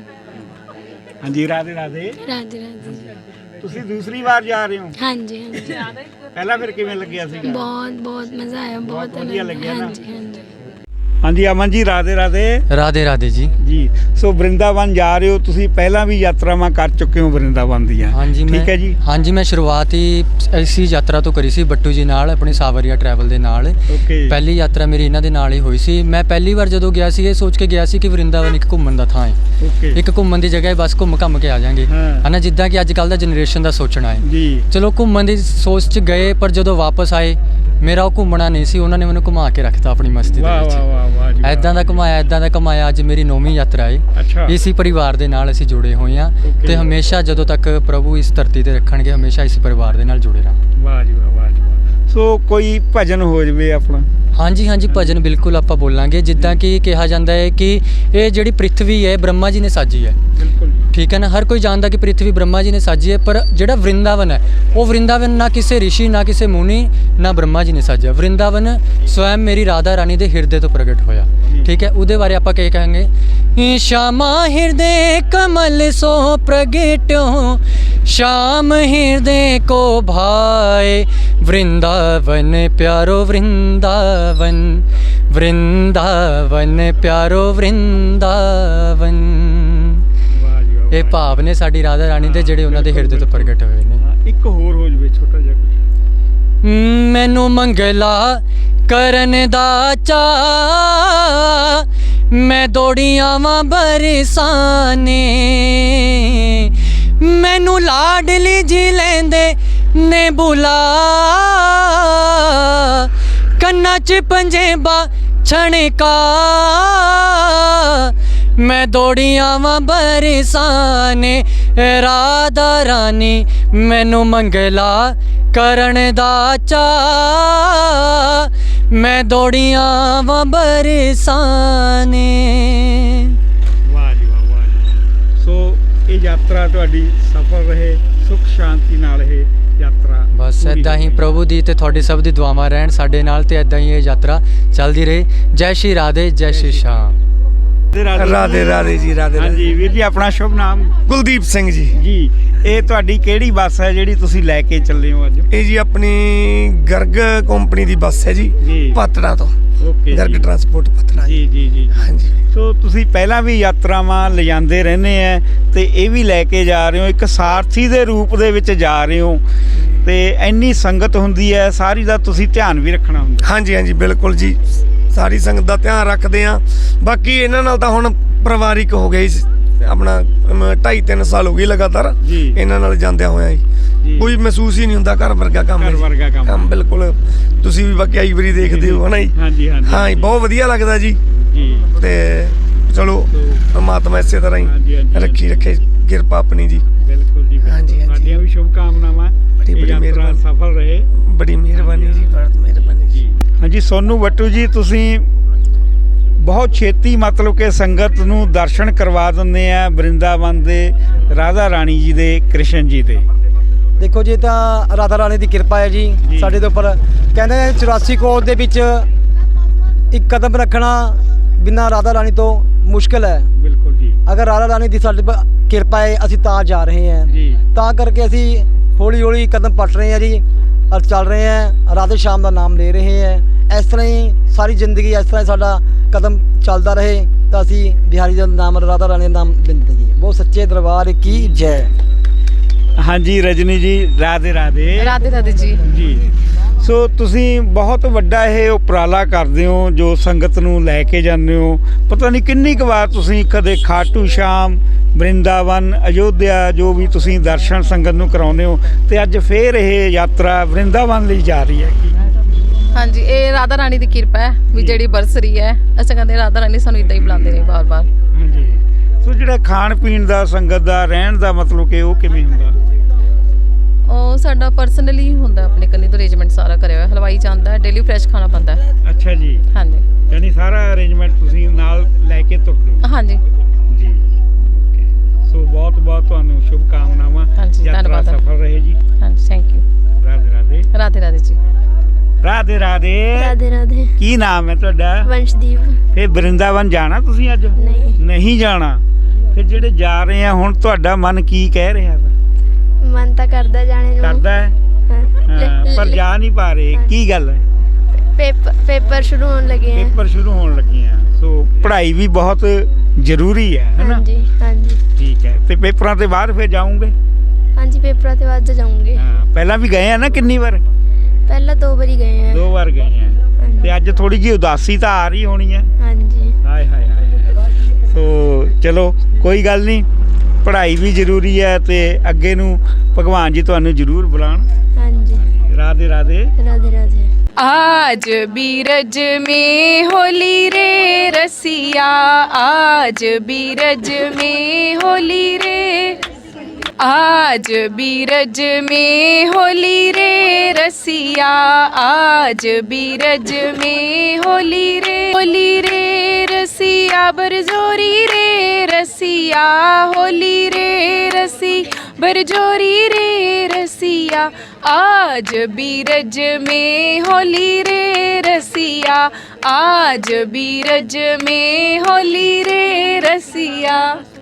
A: ਹਾਂਜੀ ਰਾਧੇ ਰਾਧੇ।
N: ਰਾਧੇ ਰਾਧੇ।
A: ਤੁਸੀਂ ਦੂਸਰੀ ਵਾਰ ਜਾ ਰਹੇ ਹੋ?
N: ਹਾਂਜੀ ਹਾਂਜੀ।
A: ਪਹਿਲਾਂ ਫਿਰ ਕਿਵੇਂ ਲੱਗਿਆ ਸੀਗਾ?
N: ਬਹੁਤ ਬਹੁਤ ਮਜ਼ਾ ਆਇਆ, ਬਹੁਤ
A: ਵਧੀਆ ਲੱਗਿਆ ਨਾ?
N: ਹਾਂਜੀ ਹਾਂਜੀ।
A: ਹਾਂਜੀ ਅਮਨ ਜੀ ਰਾਧੇ ਰਾਧੇ।
K: ਰਾਧੇ ਰਾਧੇ ਜੀ।
A: ਜੀ ਸੋ ਵਰਿੰਦਾਵਨ ਜਾ ਰਹੇ ਹੋ ਤੁਸੀਂ, ਪਹਿਲਾਂ ਵੀ ਯਾਤਰਾਵਾਂ ਕਰ ਚੁੱਕੇ ਹੋ ਵਰਿੰਦਾਵਨ ਦੀਆਂ?
K: ਹਾਂਜੀ
A: ਠੀਕ ਹੈ ਜੀ।
K: ਹਾਂਜੀ ਮੈਂ ਸ਼ੁਰੂਆਤ ਹੀ ਇਸੀ ਯਾਤਰਾ ਤੋਂ ਕਰੀ ਸੀ ਬੱਟੂ ਜੀ ਨਾਲ, ਆਪਣੀ ਸਾਵਰੀਆ ਟਰੈਵਲ ਦੇ ਨਾਲ।
A: ਓਕੇ।
K: ਪਹਿਲੀ ਯਾਤਰਾ ਮੇਰੀ ਇਹਨਾਂ ਦੇ ਨਾਲ ਹੀ ਹੋਈ ਸੀ। ਮੈਂ ਪਹਿਲੀ ਵਾਰ ਜਦੋਂ ਗਿਆ ਸੀ ਇਹ ਸੋਚ ਕੇ ਗਿਆ ਸੀ ਕਿ ਵਰਿੰਦਾਵਨ ਇੱਕ ਘੁੰਮਣ ਦਾ ਥਾਂ ਹੈ,
A: ਓਕੇ,
K: ਇੱਕ ਘੁੰਮਣ ਦੀ ਜਗ੍ਹਾ ਹੈ, ਬਸ ਘੁੰਮ ਘੰਮ ਕੇ ਆ ਜਾਾਂਗੇ ਹਨਾ, ਜਿੱਦਾਂ ਕਿ ਅੱਜ ਕੱਲ੍ਹ ਦਾ ਜਨਰੇਸ਼ਨ ਦਾ ਸੋਚਣਾ ਹੈ
A: ਜੀ।
K: ਚਲੋ ਘੁੰਮਣ ਦੀ ਸੋਚ 'ਚ ਗਏ, ਪਰ ਜਦੋਂ ਵਾਪਸ ਆਏ ਮੇਰਾ ਉਹ ਘੁੰਮਣਾ ਨਹੀਂ ਸੀ, ਉਹਨਾਂ ਨੇ ਮੈਨੂੰ ਘੁਮਾ ਕੇ ਰੱਖਤਾ ਆਪਣੀ ਮਸਤੀ ਦੇ
A: ਵਾਹ
K: ਵਿੱਚ।
A: ਵਾਹ ਵਾਹ ਵਾਹ ਜੀ ਵਾਹ।
K: ਐਦਾਂ ਦਾ ਘੁਮਾਇਆ ਐਦਾਂ ਦਾ ਘੁਮਾਇਆ। ਅੱਜ ਮੇਰੀ ਨੌਵੀਂ ਯਾਤਰਾ ਹੈ।
A: ਅੱਛਾ।
K: ਇਸੀ ਪਰਿਵਾਰ ਦੇ ਨਾਲ ਅਸੀਂ ਜੁੜੇ ਹੋਏ ਹਾਂ ਤੇ ਹਮੇਸ਼ਾ ਜਦੋਂ ਤੱਕ ਪ੍ਰਭੂ ਇਸ ਧਰਤੀ ਤੇ ਰੱਖਣਗੇ ਹਮੇਸ਼ਾ ਇਸ ਪਰਿਵਾਰ ਦੇ ਨਾਲ ਜੁੜੇ ਰਹਾਂਗੇ।
A: ਵਾਹ ਜੀ ਵਾਹ, ਵਾਹ ਜੀ ਵਾਹ। ਸੋ ਕੋਈ ਭਜਨ ਹੋ ਜਵੇ ਆਪਣਾ?
K: ਹਾਂਜੀ ਹਾਂਜੀ ਭਜਨ ਬਿਲਕੁਲ ਆਪਾਂ ਬੋਲਾਂਗੇ। ਜਿੱਦਾਂ ਕਿ ਕਿਹਾ ਜਾਂਦਾ ਹੈ ਕਿ ਇਹ ਜਿਹੜੀ ਪ੍ਰਿਥਵੀ ਹੈ ਬ੍ਰਹਮਾ ਜੀ ਨੇ ਸਾਜੀ ਹੈ,
A: ਬਿਲਕੁਲ
K: ਠੀਕ ਹੈ ਨਾ। ਹਰ ਕੋਈ ਜਾਣਦਾ ਕਿ ਪ੍ਰਿਥਵੀ ਬ੍ਰਹਮਾ ਜੀ ਨੇ ਸਾਜੀ ਹੈ, ਪਰ ਜਿਹੜਾ ਵਰਿੰਦਾਵਨ ਹੈ ਉਹ ਵਰਿੰਦਾਵਨ ਨਾ ਕਿਸੇ ਰਿਸ਼ੀ ਨਾ ਕਿਸੇ ਮੁਨੀ ਨਾ ਬ੍ਰਹਮਾ ਜੀ ਨੇ ਸਾਜਿਆ। ਵਰਿੰਦਾਵਨ ਸਵੈਮ ਮੇਰੀ ਰਾਧਾ ਰਾਣੀ ਦੇ ਹਿਰਦੇ ਤੋਂ ਪ੍ਰਗਟ ਹੋਇਆ, ਠੀਕ ਹੈ। ਉਹਦੇ ਬਾਰੇ ਆਪਾਂ ਕੀ ਕਹਾਂਗੇ? श्यामा हृदय कमल सो प्रगट्यो, श्याम हृदय को भाए, वृंदावन प्यारो वृंदावन, वृंदावन प्यारो वृंदावन। ਇਹ ਭਾਵ ਨੇ ਸਾਡੀ ਰਾਧਾ ਰਾਣੀ ਦੇ ਜਿਹੜੇ ਉਹਨਾਂ ਦੇ ਹਿਰਦੇ ਤੋਂ ਪ੍ਰਗਟ ਹੋਏ ਨੇ।
A: ਇੱਕ ਹੋਰ ਹੋ ਜਵੇ ਛੋਟਾ ਜਿਹਾ ਕੁਝ।
K: ਮੈਨੂੰ ਮੰਗਲਾ ਕਰਨ ਦਾ ਚਾਅ, ਮੈਂ ਦੌੜੀ ਆਵਾਂ ਬਰਸਾਨੇ, ਮੈਨੂੰ ਲਾਡਲੀ ਜੀ ਲੈਂਦੇ ਨੇ ਬੁਲਾ, ਕੰਨਾਂ 'ਚ ਪੰਜੇਬਾਂ ਛਣਕਾ, ਮੈਂ ਦੌੜੀ ਆਵਾਂ ਬਰਸਾਨੇ, ਰਾਧਾ ਰਾਣੀ ਮੈਨੂੰ ਮੰਗਲਾ ਕਰਨ ਦਾ ਚਾਅ, ਮੈਂ ਦੌੜੀ ਆਵਾਂ ਬਰਸਾਨੇ।
A: ਵਾਹ ਜੀ ਵਾਹ, ਵਾਹ ਜੀ। ਸੋ ਇਹ ਯਾਤਰਾ ਤੁਹਾਡੀ ਸਫਲ ਰਹੇ, ਸੁਖ ਸ਼ਾਂਤੀ ਨਾਲ ਇਹ ਯਾਤਰਾ।
K: ਬਸ ਇੱਦਾਂ ਹੀ ਪ੍ਰਭੂ ਦੀ ਤੇ ਤੁਹਾਡੀ ਸਭ ਦੀ ਦੁਆਵਾਂ ਰਹਿਣ ਸਾਡੇ ਨਾਲ, ਤੇ ਇੱਦਾਂ ਹੀ ਇਹ ਯਾਤਰਾ ਚੱਲਦੀ ਰਹੇ। ਜੈ ਸ਼੍ਰੀ ਰਾਧੇ, ਜੈ ਸ਼੍ਰੀ ਸ਼ਾਮ।
O: ਰਾਧੇ ਰਾਧੇ ਜੀ। ਰਾਧੇ
A: ਹਾਂਜੀ ਵੀਰ ਜੀ, ਆਪਣਾ ਸ਼ੁਭ ਨਾਮ?
O: ਕੁਲਦੀਪ ਸਿੰਘ ਜੀ।
A: ਜੀ ਇਹ ਤੁਹਾਡੀ ਕਿਹੜੀ ਬੱਸ ਹੈ ਜਿਹੜੀ ਤੁਸੀਂ ਲੈ ਕੇ ਚੱਲੇ ਹੋ ਅੱਜ?
O: ਇਹ ਜੀ ਆਪਣੀ ਗਰਗ ਕੰਪਨੀ ਦੀ ਬੱਸ ਹੈ ਜੀ, ਪਾਤੜਾ ਤੋਂ।
A: Okay,
O: Garg transport Patran.
A: ਜੀ ਜੀ ਜੀ
O: ਹਾਂਜੀ।
A: ਸੋ ਤੁਸੀਂ ਪਹਿਲਾਂ ਵੀ ਯਾਤਰਾਵਾਂ ਲਿਜਾਂਦੇ ਰਹਿੰਦੇ ਆ ਤੇ ਇਹ ਵੀ ਲੈ ਕੇ ਜਾ ਰਹੇ ਹੋ, ਇੱਕ ਸਾਰਥੀ ਦੇ ਰੂਪ ਦੇ ਵਿੱਚ ਜਾ ਰਹੇ ਹੋ, ਤੇ ਇੰਨੀ ਸੰਗਤ ਹੁੰਦੀ ਹੈ ਸਾਰੀ ਦਾ ਤੁਸੀਂ ਧਿਆਨ ਵੀ ਰੱਖਣਾ ਹੁੰਦਾ।
O: ਹਾਂਜੀ ਹਾਂਜੀ ਬਿਲਕੁਲ ਜੀ, ਸਾਰੀ ਸੰਗਤ ਦਾ ਧਿਆਨ ਰੱਖਦੇ ਆ। ਬਾਕੀ ਇਹਨਾਂ ਨਾਲ ਤਾਂ ਹੁਣ ਪਰਿਵਾਰਿਕ ਹੋ ਗਈ, ਆਪਣਾ ਢਾਈ ਤਿੰਨ ਸਾਲ ਹੋ ਗਏ ਲਗਾਤਾਰ ਇਹਨਾਂ ਨਾਲ ਜਾਂਦਿਆਂ ਹੋਇਆ ਜੀ। ਕੋਈ ਮਹਿਸੂਸ ਹੀ ਨਹੀਂ ਹੁੰਦਾ ਘਰ ਵਰਗਾ ਕੰਮ ਹੈ
A: ਘਰ
O: ਜੀ।
A: ਵਰਗਾ ਕੰਮ।
O: ਕੰਮ ਬਿਲਕੁਲ ਤੁਸੀਂ ਵੀ ਬਾਕੀ ਆਈ ਵਾਰੀ ਦੇਖਦੇ ਹੋ ਹਨਾ ਜੀ।
A: ਹਾਂਜੀ ਹਾਂਜੀ
O: ਹਾਂ ਜੀ ਬਹੁਤ ਵਧੀਆ ਲੱਗਦਾ ਜੀ
A: ਜੀ
O: ਤੇ ਚਲੋ ਪਰਮਾਤਮਾ ਇਸੇ ਤਰ੍ਹਾਂ
A: ਹਾਂਜੀ,
O: ਹੀ
A: ਹਾਂਜੀ।
O: ਰੱਖੀ ਰੱਖੇ ਕਿਰਪਾ ਆਪਣੀ ਜੀ।
A: ਬਿਲਕੁਲ ਜੀ
O: ਹਾਂਜੀ, ਹਾਂਜੀ।
A: ਸਾਡੀਆਂ ਵੀ ਸ਼ੁਭ ਕਾਮਨਾਵਾਂ
O: ਬੜੀ- ਬੜੀ
A: ਇਹ ਯਾਤਰਾ
O: ਮਿਹਰਬਾਨੀ।
A: ਸਫਲ ਰਹੇ।
O: ਬੜੀ ਮਿਹਰਬਾਨੀ ਜੀ, ਬਹੁਤ ਮਿਹਰਬਾਨੀ ਜੀ।
A: ਹਾਂਜੀ ਸੋਨੂ ਬੱਟੂ ਜੀ ਤੁਸੀਂ ਬਹੁਤ ਛੇਤੀ ਮਤਲਬ ਕਿ ਸੰਗਤ ਨੂੰ ਦਰਸ਼ਨ ਕਰਵਾ ਦਿੰਦੇ ਆ ਬ੍ਰਿੰਦਾਵਨ ਦੇ ਰਾਧਾ ਰਾਣੀ ਜੀ ਦੇ, ਕ੍ਰਿਸ਼ਨ ਜੀ ਦੇ।
P: ਦੇਖੋ ਜੀ ਤਾਂ ਰਾਧਾ ਰਾਣੀ ਦੀ ਕਿਰਪਾ ਹੈ ਜੀ ਸਾਡੇ ਦੇ ਉੱਪਰ। ਕਹਿੰਦੇ ਨੇ ਚੁਰਾਸੀ ਕੋਸ ਦੇ ਵਿੱਚ ਇੱਕ ਕਦਮ ਰੱਖਣਾ ਬਿਨਾਂ ਰਾਧਾ ਰਾਣੀ ਤੋਂ ਮੁਸ਼ਕਿਲ ਹੈ।
A: ਬਿਲਕੁਲ ਜੀ।
P: ਅਗਰ ਰਾਧਾ ਰਾਣੀ ਦੀ ਸਾਡੇ ਪਰ ਕਿਰਪਾ ਹੈ ਅਸੀਂ ਤਾਂ ਜਾ ਰਹੇ ਹਾਂ
A: ਜੀ।
P: ਤਾਂ ਕਰਕੇ ਅਸੀਂ ਹੌਲੀ ਹੌਲੀ ਕਦਮ ਪੱਟ ਰਹੇ ਹਾਂ ਜੀ ਔਰ ਚੱਲ ਰਹੇ ਹਾਂ, ਰਾਧੇ ਸ਼ਾਮ ਦਾ ਨਾਮ ਲੈ ਰਹੇ ਹਾਂ। ਇਸ ਤਰ੍ਹਾਂ ਹੀ ਸਾਰੀ ਜ਼ਿੰਦਗੀ ਇਸ ਤਰ੍ਹਾਂ ਹੀ ਸਾਡਾ ਕਦਮ ਚੱਲਦਾ ਰਹੇ ਤਾਂ ਅਸੀਂ ਬਿਹਾਰੀ ਦਾ ਨਾਮ, ਰਾਧਾ ਰਾਣੀ ਦਾ ਨਾਮ ਦਿੰਦੇ ਰਹੀਏ। ਬਹੁਤ ਸੱਚੇ ਦਰਬਾਰ ਕੀ ਜੈ।
A: ਹਾਂਜੀ ਰਜਨੀ ਜੀ ਰਾਧੇ ਰਾਧੇ।
C: ਰਾਧੇ ਰਾਧੇ ਜੀ।
A: ਜੀ ਸੋ ਤੁਸੀਂ ਬਹੁਤ ਵੱਡਾ ਇਹ ਉਪਰਾਲਾ ਕਰਦੇ ਹੋ ਜੋ ਸੰਗਤ ਨੂੰ ਲੈ ਕੇ ਜਾਂਦੇ ਹੋ। ਪਤਾ ਨਹੀਂ ਕਿੰਨੀ ਕੁ ਵਾਰ ਤੁਸੀਂ ਕਦੇ ਖਾਟੂ ਸ਼ਾਮ, ਬ੍ਰਿੰਦਾਵਨ, ਅਯੋਧਿਆ ਜੋ ਵੀ ਤੁਸੀਂ ਦਰਸ਼ਨ ਸੰਗਤ ਨੂੰ ਕਰਾਉਂਦੇ ਹੋ ਤੇ ਅੱਜ ਫੇਰ ਇਹ ਯਾਤਰਾ ਬ੍ਰਿੰਦਾਵਨ ਲਈ ਜਾ ਰਹੀ ਹੈ।
C: ਹਾਂਜੀ ਇਹ ਰਾਧਾ ਰਾਣੀ ਦੀ ਕਿਰਪਾ ਹੈ ਵੀ ਜਿਹੜੀ ਬਰਸਰੀ ਹੈ ਅਸੀਂ ਕਹਿੰਦੇ ਰਾਧਾ ਰਾਣੀ ਸਾਨੂੰ ਇਦਾਂ ਹੀ ਬੁਲਾਉਂਦੇ ਨੇ ਬਾਰ-ਬਾਰ।
A: ਹਾਂਜੀ ਸੋ ਜਿਹੜਾ ਖਾਣ ਪੀਣ ਦਾ, ਸੰਗਤ ਦਾ ਰਹਿਣ ਦਾ ਮਤਲਬ ਕਿ ਉਹ ਕਿਵੇਂ ਹੁੰਦਾ?
C: ਉਹ ਸਾਡਾ ਪਰਸਨਲੀ ਹੁੰਦਾ, ਆਪਣੇ ਕੰਨੀ ਤੋਂ ਅਰੇਂਜਮੈਂਟ ਸਾਰਾ ਕਰਿਆ ਹੋਇਆ। ਹਲਵਾਈ ਜਾਂਦਾ, ਡੇਲੀ ਫਰੈਸ਼ ਖਾਣਾ ਪੈਂਦਾ।
A: ਅੱਛਾ ਜੀ।
C: ਹਾਂਜੀ
A: ਯਾਨੀ ਸਾਰਾ ਅਰੇਂਜਮੈਂਟ ਤੁਸੀਂ ਨਾਲ ਲੈ ਕੇ ਤੁਰਦੇ ਹੋ?
C: ਹਾਂਜੀ
A: ਜੀ। ਸੋ ਬਹੁਤ ਬਹੁਤ ਤੁਹਾਨੂੰ ਸ਼ੁਭ ਕਾਮਨਾਵਾਂ।
C: ਹਾਂਜੀ
A: ਯਾਤਰਾ
C: ਧੰਨਵਾਦ।
A: ਸਫਲ ਰਹੇ ਜੀ।
C: ਹਾਂਜੀ ਥੈਂਕ ਯੂ।
A: ਰਾਧੇ ਰਾਧੇ।
C: ਰਾਧੇ ਰਾਧੇ ਜੀ।
A: ਰਾਧੇ ਰਾਧੇ।
N: ਰਾਧੇ ਰਾਧੇ।
A: ਕੀ ਨਾਮ ਹੈ ਤੁਹਾਡਾ?
N: ਵੰਸ਼ਦੀਪ।
A: ਫੇ ਬ੍ਰਿੰਦਾਵਨ ਜਾਣਾ ਤੁਸੀਂ ਅੱਜ?
N: ਨਹੀਂ।
A: ਨਹੀਂ ਜਾਣਾ? ਫਿਰ ਜਿਹੜੇ ਜਾ ਰਹੇ ਆ ਹੁਣ ਤੁਹਾਡਾ ਮਨ ਕੀ ਕਹਿ ਰਿਹਾ ਵਾ?
N: ਮਨ ਤਾਂ ਕਰਦਾ ਜਾਣੇ ਨੂੰ।
A: ਕਰਦਾ ਹੈ
N: ਹਾਂ।
A: ਹਾਂ, ਪਰ ਜਾ ਨਹੀਂ ਪਾ ਰਹੇ। ਕੀ ਗੱਲ ਹੈ?
N: ਪੇਪਰ ਪੇਪਰ ਸ਼ੁਰੂ ਹੋਣ ਲੱਗੇ ਹੈ।
A: ਪੇਪਰ ਸ਼ੁਰੂ ਹੋਣ ਲੱਗੇ ਆ ਸੋ ਪੜ੍ਹਾਈ ਵੀ ਬਹੁਤ ਜ਼ਰੂਰੀ ਹੈ ਹੈ ਨਾ?
N: ਹਾਂਜੀ ਹਾਂਜੀ।
A: ਠੀਕ ਹੈ ਤੇ ਪੇਪਰਾਂ ਤੋਂ ਬਾਅਦ ਫਿਰ ਜਾਓਗੇ?
N: ਹਾਂਜੀ ਪੇਪਰਾਂ ਤੋਂ ਬਾਅਦ ਜਾਊਂਗੇ।
A: ਹਾਂ ਪਹਿਲਾਂ ਵੀ ਗਏ ਆ ਨਾ ਕਿੰਨੀ ਵਾਰ?
N: ਪਹਿਲਾਂ ਦੋ ਵਾਰੀ ਗਏ ਆ।
A: ਦੋ ਵਾਰ ਗਏ ਆ ਤੇ ਅੱਜ ਥੋੜੀ ਜਿਹੀ ਉਦਾਸੀ ਤਾਂ ਆ ਰਹੀ ਹੋਣੀ ਹੈ?
N: ਹਾਂਜੀ।
A: ਹਾਏ ਹਾਏ ਹਾਏ। ਸੋ ਚਲੋ ਕੋਈ ਗੱਲ ਨਹੀਂ, ਪੜ੍ਹਾਈ ਵੀ ਜ਼ਰੂਰੀ ਹੈ ਤੇ ਅੱਗੇ ਨੂੰ ਭਗਵਾਨ ਜੀ ਤੁਹਾਨੂੰ ਜ਼ਰੂਰ ਬੁਲਾਣ।
N: ਹਾਂਜੀ।
A: राधे राधे।
N: राधे राधे।
C: आज बीरज में होली रे रसिया, आज बीरज में होली रे, आज बीरज में होली रे रसिया, आज बीरज में होली रे, होली रे रसिया बरजोरी रे रसिया, होली रे रसी बरजोरी रे रसिया, आज बीरज में होली रे रसिया, आज बीरज में होली रे रसिया।